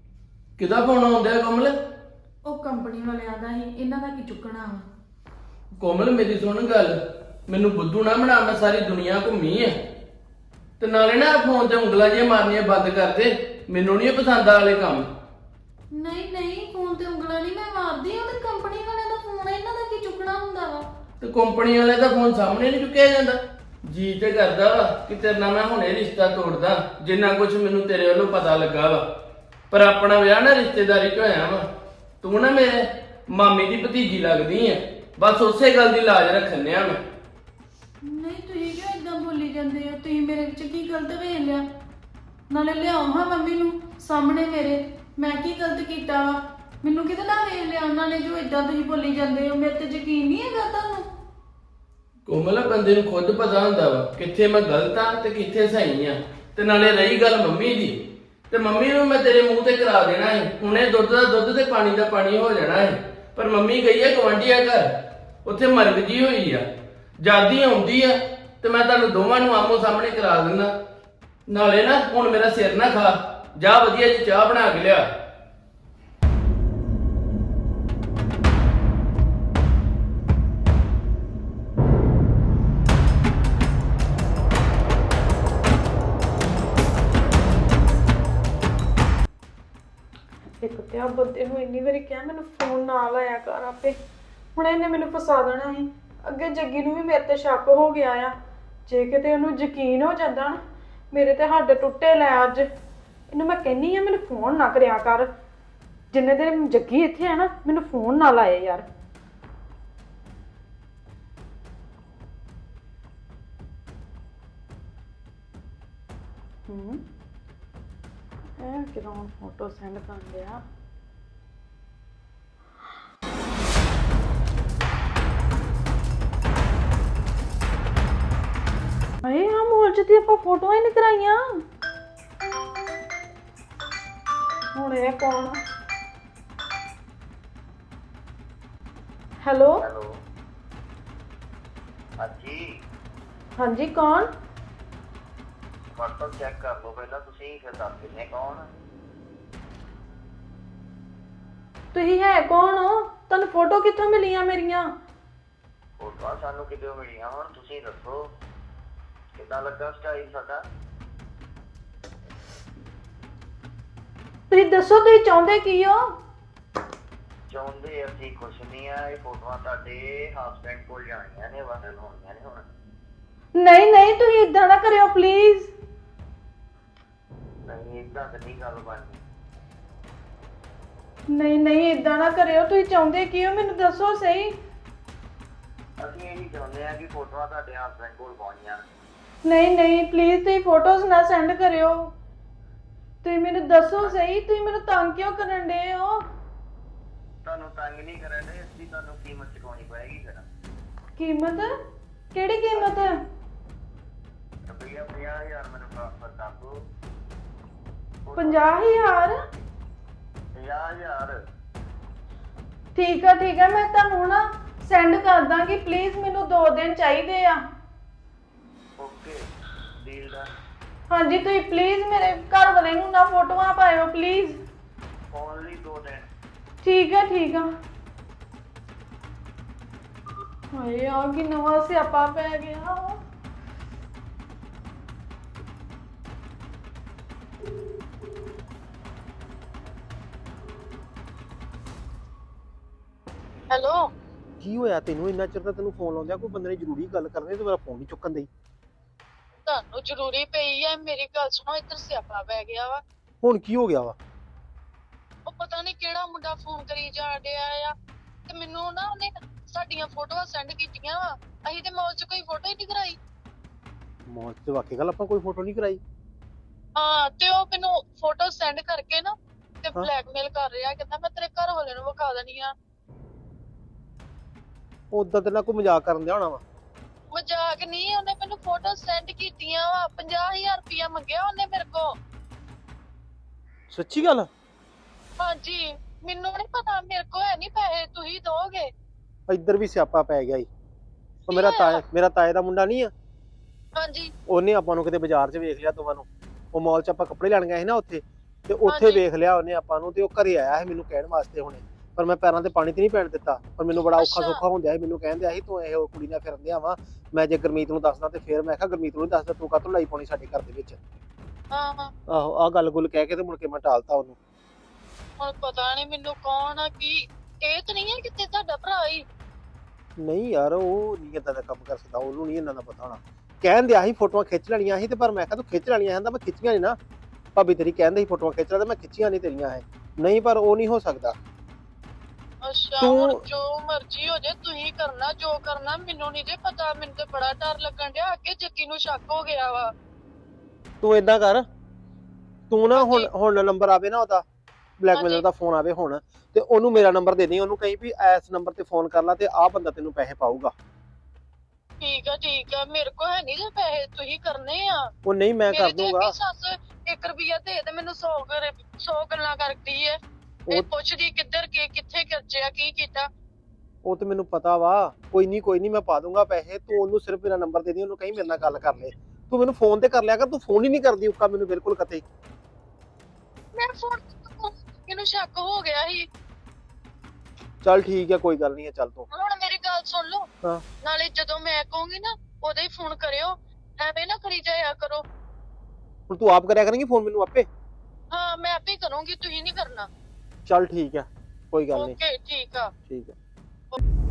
Speaker 5: ਕਿਹਦਾ ਫੋਨ ਆਉਂਦਾ ਕੋਮਲ?
Speaker 6: ਉਹ ਕੰਪਨੀ ਵਾਲਿਆਂ ਦਾ ਹੀ ਇਹਨਾਂ ਦਾ ਕੀ ਚੁੱਕਣਾ ਵਾ।
Speaker 5: ਕੋਮਲ ਮੇਰੀ ਸੁਣ ਗੱਲ, ਮੈਨੂੰ ਬੁੱਧੂ ਨਾ ਬਣਾ, ਮੈਂ ਸਾਰੀ ਦੁਨੀਆ ਘੁੰਮੀ ਐ। ਤੇ ਨਾਲੇ ਨਾ ਫੋਨ ਤੇ ਉਂਗਲਾਂ ਜਿਹੀਆਂ ਮਾਰਨੀਆਂ ਬੰਦ ਕਰ ਦੇ, ਮੈਨੂੰ ਨਹੀਂ ਪਸੰਦ ਆ ਵਾਲੇ ਕੰਮ।
Speaker 6: ਨਹੀਂ ਨਹੀਂ, ਫੋਨ ਤੇ ਉਂਗਲਾਂ ਨਹੀਂ ਮੈਂ ਮਾਰਦੀ, ਉਹ ਤੇ ਕੰਪਨੀ ਵਾਲਿਆਂ ਦਾ ਫੋਨ ਹੈ, ਇਹਨਾਂ ਦਾ ਕੀ ਚੁੱਕਣਾ ਹੁੰਦਾ ਵਾ।
Speaker 5: ਤੇ ਕੰਪਨੀ ਵਾਲੇ ਦਾ ਫੋਨ ਸਾਹਮਣੇ ਨਹੀਂ ਚੁੱਕਿਆ ਜਾਂਦਾ। ਜੀ ਤੇ ਕਰਦਾ ਵਾ ਕਿ ਤੇਰੇ ਨਾਲ ਮੈਂ ਹੁਣੇ ਰਿਸ਼ਤਾ ਤੋੜਦਾ, ਜਿੰਨਾ ਕੁਝ ਮੈਨੂੰ ਤੇਰੇ ਵੱਲੋਂ ਪਤਾ ਲੱਗਾ ਵਾ। ਪਰ ਆਪਣਾ ਵਿਆਹ ਨਾ ਰਿਸ਼ਤੇਦਾਰੀ ਚ ਹੋਇਆ ਵਾ। ਤੂੰ ਨਾ ਮੇਰੇ ਮਾਮੀ ਦੀ ਭਤੀਜੀ ਲੱਗਦੀ ਐ, ਬਸ ਉਸੇ ਗੱਲ ਦੀ ਲਾਜ ਰੱਖਣਿਆ ਮੈਂ।
Speaker 6: ਨਹੀਂ ਤੁਸੀਂ ਕਿਉਂ ਇਦਾਂ ਬੋਲੀ ਜਾਂਦੇ ਹੋ? ਤੁਸੀਂ ਮੇਰੇ ਵਿੱਚ ਕੀ ਗਲਤ ਵੇਖ ਲਿਆ? ਨਾਲੇ ਲਿਆਓ ਹਾਂ ਮੰਮੀ ਨੂੰ ਸਾਹਮਣੇ ਮੇਰੇ, ਮੈਂ ਕੀ ਗਲਤ ਕੀਤਾ ਵਾ? ਮੈਨੂੰ ਕਿਤੇ ਨਾ ਵੇਖ ਲਿਆ ਉਹਨਾਂ ਨੇ ਜੋ ਇਦਾਂ ਤੁਸੀਂ ਬੋਲੀ ਜਾਂਦੇ ਹੋ? ਮੇਰੇ ਤੇ ਯਕੀਨ ਨਹੀਂ ਹੈਗਾ ਤੁਹਾਨੂੰ?
Speaker 5: ਕੋਮਲ ਬੰਦੇ ਨੂੰ ਖੁਦ ਪਤਾ ਹੁੰਦਾ ਵਾ ਕਿੱਥੇ ਮੈਂ ਗਲਤ ਆ ਤੇ ਕਿੱਥੇ ਸਹੀ ਆ। ਤੇ ਨਾਲੇ ਰਹੀ ਗੱਲ ਮੰਮੀ ਦੀ, ਤੇ ਮੰਮੀ ਨੂੰ ਮੈਂ ਤੇਰੇ ਮੂੰਹ ਤੇ ਕਰਾ ਦੇਣਾ ਹੈ, ਹੁਣੇ ਦੁੱਧ ਦਾ ਦੁੱਧ ਤੇ ਪਾਣੀ ਦਾ ਪਾਣੀ ਹੋ ਜਾਣਾ ਹੈ। ਪਰ ਮੰਮੀ ਗਈ ਹੈ ਗਵਾਂਢੀਆ ਘਰ, ਉੱਥੇ ਮਰਗ ਜੀ ਹੋਈ ਆ, ਜਾਦੀ ਆਉਂਦੀ ਆ ਤੇ ਮੈਂ ਤੁਹਾਨੂੰ ਦੋਵਾਂ ਨੂੰ ਆਮੋ ਸਾਹਮਣੇ ਕਰਾ ਦਿੰਦਾ। ਨਾਲੇ ਨਾ ਹੁਣ ਮੇਰਾ ਸਿਰ ਨਾ ਖਾ, ਜਾ ਵਧੀਆ ਜੀ ਚਾਹ ਬਣਾ ਕੇ ਲਿਆ।
Speaker 7: ਇੱਕ ਤੇ ਆ ਬੰਦੇ ਨੂੰ ਇੰਨੀ ਵਾਰੀ ਕਿਹਾ ਮੈਨੂੰ ਫੋਨ ਨਾ ਲਾਇਆ ਕਰ ਆਪੇ, ਹੁਣ ਇਹਨੇ ਮੈਨੂੰ ਫਸਾ ਦੇਣਾ ਸੀ। ਅੱਗੇ ਜੱਗੀ ਨੂੰ ਵੀ ਮੇਰੇ ਤੇ ਸ਼ੱਕ ਹੋ ਗਿਆ ਆ, ਜੇ ਕਿਤੇ ਉਹਨੂੰ ਯਕੀਨ ਹੋ ਜਾਂਦਾ ਨਾ ਮੇਰੇ ਤੇ ਹੱਡ ਟੁੱਟੇ ਲੈ ਅੱਜ। ਇਹਨੂੰ ਮੈਂ ਕਹਿੰਨੀ ਆ ਮੈਨੂੰ ਫੋਨ ਨਾ ਕਰਿਆ ਕਰ, ਜਿੰਨੇ ਦਿਨ ਜੱਗੀ ਇੱਥੇ ਆ ਨਾ ਮੈਨੂੰ ਫੋਨ ਨਾ ਲਾਏ ਯਾਰ। ਇਹ ਕਿਦੋਂ ਫੋਟੋ ਸੈਂਡ ਕਰ ਲਿਆ? ਆਏ ਆ ਮੋਲ ਚ ਤੇ ਆਪਾਂ ਫੋਟੋਆਂ ਹੀ ਨਹੀਂ ਕਰਾਈਆਂ। ਹੁਣ ਇਹ ਕੌਣ? ਹੈਲੋ
Speaker 8: ਹੈਲੋ ਹਾਂਜੀ,
Speaker 7: ਹਾਂਜੀ ਕੌਣ?
Speaker 8: ਫੋਟੋ ਚੈੱਕ ਕਰ ਲਓ ਪਹਿਲਾਂ ਤੁਸੀਂ, ਫਿਰ ਦੱਸ ਦਿੰਦੇ ਕੌਣ।
Speaker 7: ਤੁਸੀਂ ਹੈ ਕੌਣ ਹੋ? ਤੁਹਾਨੂੰ ਫੋਟੋ ਕਿੱਥੋਂ ਮਿਲੀਆਂ ਮੇਰੀਆਂ?
Speaker 8: ਫੋਟੋਆਂ ਸਾਨੂੰ ਕਿਤੇ ਮਿਲੀਆਂ, ਹੁਣ ਤੁਸੀਂ ਦੱਸੋ ਕਿੱਦਾਂ ਲੱਗਾ ਸਟਾਈਲ ਸਾਡਾ।
Speaker 7: ਤੁਸੀਂ ਦੱਸੋ ਤੁਸੀਂ ਚਾਹੁੰਦੇ ਕੀ ਹੋ?
Speaker 8: ਚਾਹੁੰਦੇ ਅਸੀਂ ਕੁਛ ਨਹੀਂ ਆ, ਇਹ ਫੋਟੋਆਂ ਤੁਹਾਡੇ ਹਸਬੈਂਡ ਕੋਲ ਜਾਣੀਆਂ ਨੇ, ਵਾਇਰਲ ਹੋਣੀਆਂ ਨੇ ਹੁਣ।
Speaker 7: ਨਹੀਂ ਨਹੀਂ ਤੁਸੀਂ ਇਦਾਂ ਨਾ ਕਰਿਓ ਪਲੀਜ਼।
Speaker 8: ਨਹੀਂ ਏਦਾਂ ਤਾਂ ਨਹੀਂ ਗੱਲ ਬਣਨੀ।
Speaker 7: ਨਹੀਂ ਨਹੀਂ ਇਦਾਂ ਨਾ ਕਰਿਓ, ਤੁਸੀਂ ਚਾਹੁੰਦੇ ਕੀ ਹੋ ਮੈਨੂੰ ਦੱਸੋ ਸਹੀ।
Speaker 8: ਅਸੀਂ ਇਹੀ ਚਾਹੁੰਦੇ ਆ ਕਿ ਫੋਟੋਆਂ ਤੁਹਾਡੇ ਹਸਬੈਂਡ ਕੋਲ ਪਹੁੰਚੀਆਂ।
Speaker 7: ਨਹੀਂ ਨਹੀਂ ਪਲੀਜ਼ ਤੁਸੀਂ ਫੋਟੋਜ਼ ਨਾ ਸੈਂਡ ਕਰਿਓ। ਤੁਸੀਂ ਮੈਨੂੰ ਦੱਸੋ ਸਹੀ, ਤੁਸੀਂ ਮੈਨੂੰ ਤੰਗ ਕਿਉਂ ਕਰਨ ਡਏ ਹੋ?
Speaker 8: ਤੁਹਾਨੂੰ ਤੰਗ ਨਹੀਂ ਕਰਨ ਦੇ, ਅਸੀਂ ਤੁਹਾਨੂੰ ਕੀਮਤ ਚੁਕਾਉਣੀ ਪਏਗੀ ਫਿਰ।
Speaker 7: ਕੀਮਤ? ਕਿਹੜੀ ਕੀਮਤ?
Speaker 8: ਰੁਪਈਆ 50,000 ਮੈਨੂੰ ਟ੍ਰਾਂਸਫਰ ਕਰ ਦਿਓ।
Speaker 7: 50,000?
Speaker 8: 50,000
Speaker 7: ਠੀਕ ਆ ਮੈਂ ਤੁਹਾਨੂੰ ਨਾ ਸੈਂਡ ਕਰ ਦਾਂਗੀ, ਪਲੀਜ਼ ਮੈਨੂੰ 2 ਦਿਨ ਚਾਹੀਦੇ ਆ।
Speaker 8: Okay, deal done.
Speaker 7: ਹਾਂਜੀ ਤੁਸੀਂ ਪਲੀਜ਼ ਮੇਰੇ ਘਰ ਵਾਲੇ ਨੂੰ ਨਾ ਫੋਟੋਆਂ ਪਾਇਓ ਪਲੀਜ਼।
Speaker 8: ਓਨਲੀ 2 ਦਿਨ।
Speaker 7: ਠੀਕ ਆ। ਹਾਏ ਆ ਕੀ ਨਵਾਂ ਸਿਆਪਾ ਪੈ ਗਿਆ।
Speaker 6: ਹੈਲੋ,
Speaker 4: ਕੀ ਹੋਇਆ ਤੈਨੂੰ? ਇੰਨਾ ਚਿਰ ਤਾਂ ਤੈਨੂੰ ਫੋਨ ਲਾਉਂਦਿਆ, ਕੋਈ ਬੰਦੇ ਨੇ ਜ਼ਰੂਰੀ ਗੱਲ ਕਰਨੀ ਤੇ ਮੇਰਾ ਫੋਨ ਨਹੀਂ ਚੁੱਕਣ ਦੇਈ।
Speaker 6: ਤੁਹਾਨੂੰ ਜ਼ਰੂਰੀ ਪਈ ਹੈ? ਮੇਰੀ ਗੱਲ ਸੁਣੋ, ਇੱਧਰ ਸਿਆਪਾ ਪੈ ਗਿਆ ਵਾ।
Speaker 4: ਹੁਣ ਕੀ ਹੋ ਗਿਆ ਵਾ?
Speaker 6: ਉਹ ਪਤਾ ਨਹੀਂ ਕਿਹੜਾ ਮੁੰਡਾ ਫੋਨ ਕਰੀ ਜਾ ਰਿਹਾ ਆ, ਤੇ ਮੈਨੂੰ ਨਾ ਉਹਨੇ ਸਾਡੀਆਂ ਫੋਟੋਆਂ ਸੈਂਡ ਕੀਤੀਆਂ ਵਾ। ਅਸੀਂ ਤੇ ਮੌਲ 'ਚ ਕੋਈ ਫੋਟੋ ਹੀ ਨਹੀਂ ਕਰਾਈ।
Speaker 4: ਮੌਤ ਤੇ ਵਾਕਈ ਗੱਲ ਆਪਾਂ ਕੋਈ ਫੋਟੋ ਨਹੀਂ ਕਰਾਈ।
Speaker 6: ਹਾਂ, ਤੇ ਉਹ ਮੈਨੂੰ ਫੋਟੋ ਸੈਂਡ ਕਰਕੇ ਨਾ ਤੇ ਬਲੈਕਮੇਲ ਕਰ ਰਿਹਾ, ਕਹਿੰਦਾ ਮੈਂ ਤੇਰੇ ਘਰ ਵਾਲੇ ਨੂੰ ਵਿਖਾ ਦੇਣੀ ਆ।
Speaker 4: ਉਦਾਂ ਤੇ ਨਾ ਕੋਈ ਮਜ਼ਾਕ ਕਰਨ ਦਿਆ ਹੋਣਾ ਵਾ।
Speaker 6: ਮਜ਼ਾਕ ਨਹੀਂ, ਉਹਨੇ ਮੈਨੂੰ ਫੋਟੋ ਸੈਂਡ ਕੀਤੀਆਂ ਵਾ। 50,000 ਰੁਪਇਆ ਮੰਗਿਆ ਉਹਨੇ ਮੇਰੇ ਕੋਲ।
Speaker 4: ਸੱਚੀ ਗੱਲ?
Speaker 6: ਹਾਂਜੀ, ਮੈਨੂੰ ਨਹੀਂ ਪਤਾ, ਮੇਰੇ ਕੋਲ ਹੈ ਨਹੀਂ ਪੈਸੇ, ਤੁਸੀਂ ਦੋਗੇ।
Speaker 4: ਇੱਧਰ ਵੀ ਸਿਆਪਾ ਪੈ ਗਿਆ ਈ। ਉਹ
Speaker 6: ਕੀ
Speaker 4: ਮੇਰਾ ਤਾਏ ਦਾ ਮੁੰਡਾ ਨਹੀਂ ਆ,
Speaker 6: ਹਾਂਜੀ
Speaker 4: ਉਹਨੇ ਆਪਾਂ ਨੂੰ ਕਿਤੇ ਬਾਜ਼ਾਰ 'ਚ ਵੇਖ ਲਿਆ ਦੋਵਾਂ ਨੂੰ। ਉਹ ਮਾਲ 'ਚ ਆਪਾਂ ਕੱਪੜੇ ਲੈਣ ਗਏ ਸੀ ਨਾ ਉੱਥੇ, ਤੇ ਉੱਥੇ ਵੇਖ ਲਿਆ ਉਹਨੇ ਆਪਾਂ ਨੂੰ, ਤੇ ਉਹ ਘਰੇ ਆਇਆ ਸੀ ਮੈਨੂੰ ਕਹਿਣ ਵਾਸਤੇ ਹੁਣੇ ਪਰ ਮੈਂ ਪੈਰਾਂ ਤੇ ਪਾਣੀ ਤੇ ਨਹੀਂ ਪੈਣ ਦਿੱਤਾ। ਪਰ ਮੈਨੂੰ ਬੜਾ ਔਖਾ
Speaker 9: ਅੱਛਾ।
Speaker 4: ਸੌਖਾ ਹੁੰਦਿਆ ਸੀ, ਮੈਨੂੰ ਕਹਿੰਦੇ ਸੀ ਤੂੰ ਇਹ ਕੁੜੀ ਨਾਲ ਫਿਰਨ ਦਿਆ ਵਾ। ਮੈਂ ਜੇ ਗੁਰਮੀਤ ਨੂੰ ਦੱਸਦਾ ਤੇ ਫਿਰ ਮੈਂ ਕਿਹਾ ਗੁਰਮੀਤ ਨੂੰ ਨੀ ਦੱਸਦਾ, ਤੂੰ ਕਾਹਤੋਂ ਲਾਈ ਪਾਉਣੀ ਸਾਡੇ ਘਰ ਦੇ ਵਿੱਚ।
Speaker 9: ਹਾਂ ਹਾਂ
Speaker 4: ਆਹੋ ਆਹ ਗੱਲ ਗੁੱਲ ਕਹਿ ਕੇ ਤੇ ਮੁੜ ਕੇ ਮੈਂ ਟਾਲਤਾ ਉਹਨੂੰ।
Speaker 9: ਹੁਣ ਪਤਾ ਨਹੀਂ ਮੈਨੂੰ ਕੌਣ ਆ ਕੀ ਇਹ ਤਾਂ ਨਹੀਂ ਹੈ ਕਿਤੇ ਤੁਹਾਡਾ ਭਰਾ ਹੀ।
Speaker 4: ਨਹੀਂ ਯਾਰ ਉਹ ਨਹੀਂ ਏਦਾਂ ਦਾ ਕੰਮ ਕਰ ਸਕਦਾ, ਉਹਨੂੰ ਨਹੀਂ ਇਹਨਾਂ ਦਾ ਪਤਾ ਹੋਣਾ। ਕਹਿਣ ਦਿਆ ਸੀ ਫੋਟੋਆਂ ਖਿੱਚ ਲੈਣੀਆਂ ਸੀ ਤੇ ਪਰ ਮੈਂ ਕਿਹਾ ਤੂੰ ਖਿੱਚ ਲੈਣੀਆਂ ਕਹਿੰਦਾ ਮੈਂ ਖਿੱਚੀਆਂ ਨਹੀਂ ਨਾ। ਭਾਬੀ ਤੇਰੀ ਕਹਿੰਦੇ ਸੀ ਫੋਟੋਆਂ ਖਿੱਚ ਲੈ ਤੇ ਮੈਂ ਖਿੱਚੀਆਂ ਨਹੀਂ ਤੇਰੀਆਂ ਹੈ। ਨਹੀਂ ਪਰ ਉਹ ਨਹੀਂ ਹੋ ਸਕਦਾ।
Speaker 9: ਅੱਛਾ
Speaker 4: ਤੂੰ-
Speaker 9: ਹੁਣ ਜੋ ਮਰਜ਼ੀ ਹੋ ਜੇ ਤੁਸੀਂ ਕਰਨਾ ਜੋ ਕਰਨਾ, ਮੈਨੂੰ ਨਹੀਂ ਜੇ ਪਤਾ। ਮੈਨੂੰ ਤੇ ਬੜਾ ਡਰ ਲੱਗਣ ਡਿਆ, ਅੱਗੇ ਜੱਗੀ ਨੂੰ ਸ਼ੱਕ ਹੋ ਗਿਆ ਵਾ।
Speaker 4: ਤੂੰ ਏਦਾਂ ਕਰ, ਤੂੰ ਨਾ ਹੁਣ ਨੰਬਰ ਆਵੇ ਨਾ ਉਹਦਾ ਬਲੈਕਮੇਲਰ
Speaker 9: ਹਾਂਜੀ।
Speaker 4: ਦਾ ਫੋਨ ਆਵੇ ਹੁਣ ਤੇ ਉਹਨੂੰ ਮੇਰਾ ਨੰਬਰ ਦੇ ਦੇ। ਉਹਨੂੰ ਕਹੀਂ ਵੀ ਇਸ ਨੰਬਰ ਤੇ ਫੋਨ ਕਰ ਲਾ ਤੇ ਆਹ ਬੰਦਾ ਤੈਨੂੰ ਪੈਸੇ ਪਾਊਗਾ।
Speaker 9: ਠੀਕ ਆ ਮੇਰੇ ਕੋ ਹੈ ਨਹੀਂ ਜੇ ਪੈਸੇ, ਤੁਸੀਂ ਕਰਨੇ ਆ।
Speaker 4: ਉਹ ਨਹੀਂ ਮੈਂ ਕਰ
Speaker 9: ਮੇਰੇ ਤੇ
Speaker 4: ਦੂੰਗਾ।
Speaker 9: ਅੱਗੇ ਸੱਸ 1 ਰੁਪਿਆ ਦੇ ਤੇ ਮੈਨੂੰ 100 ਗੱਲਾਂ ਕਰਦੀ ਏ। ਇਹ
Speaker 4: ਉਹ-
Speaker 9: ਪੁੱਛਦੀ ਕਿੱਧਰ ਗਏ, ਕਿੱਥੇ ਖਰਚਿਆ, ਕੀ ਕੀਤਾ।
Speaker 4: ਉਹ ਤੇ ਮੈਨੂੰ ਪਤਾ ਵਾ। ਕੋਈ ਨਹੀਂ ਮੈਂ ਪਾ ਦੂੰਗਾ ਪੈਸੇ। ਤੂੰ ਉਹਨੂੰ ਸਿਰਫ ਮੇਰਾ ਨੰਬਰ ਦੇ ਦੇ, ਉਹਨੂੰ ਕਹੀਂ ਮੇਰੇ ਨਾਲ ਗੱਲ ਕਰ ਲੈ। ਤੂੰ ਮੈਨੂੰ ਫੋਨ ਤੇ ਕਰ ਲਿਆ ਕਰ, ਤੂੰ ਫੋਨ ਹੀ ਨਹੀਂ ਕਰਦੀ ਉੱਕਾ ਮੈਨੂੰ ਬਿਲਕੁਲ ਕਤੇ।
Speaker 9: ਮੈਂ ਫੋਨ ਇਹਨੂੰ ਸ਼ੱਕ ਹੋ ਗਿਆ ਸੀ।
Speaker 4: ਚੱਲ ਠੀਕ ਹੈ ਕੋਈ ਗੱਲ ਨਹੀਂ ਹੈ, ਚੱਲ ਤੂੰ।
Speaker 9: ਹੁਣ ਮੇਰੀ ਗੱਲ ਸੁਣ ਲਓ,
Speaker 4: ਹਾਂ।
Speaker 9: ਨਾਲੇ ਜਦੋਂ ਮੈਂ ਕਹੂੰਗੀ ਨਾ ਉਦੋਂ ਹੀ ਫੋਨ ਕਰਿਓ, ਐਵੇਂ ਨਾ ਕਰੀ ਜਾਇਆ ਕਰੋ।
Speaker 4: ਹੁਣ ਤੂੰ ਆਪ ਕਰਿਆ ਕਰੇਂਗੀ ਫੋਨ ਮੈਨੂੰ ਆਪੇ।
Speaker 9: ਹਾਂ ਮੈਂ ਆਪੇ ਕਰੂੰਗੀ, ਤੁਸੀਂ ਨਹੀਂ ਕਰਨਾ।
Speaker 4: ਚੱਲ ਠੀਕ ਹੈ ਕੋਈ ਗੱਲ ਨਹੀਂ।
Speaker 9: ਓਕੇ ਠੀਕ ਆ।
Speaker 4: ਠੀਕ ਹੈ।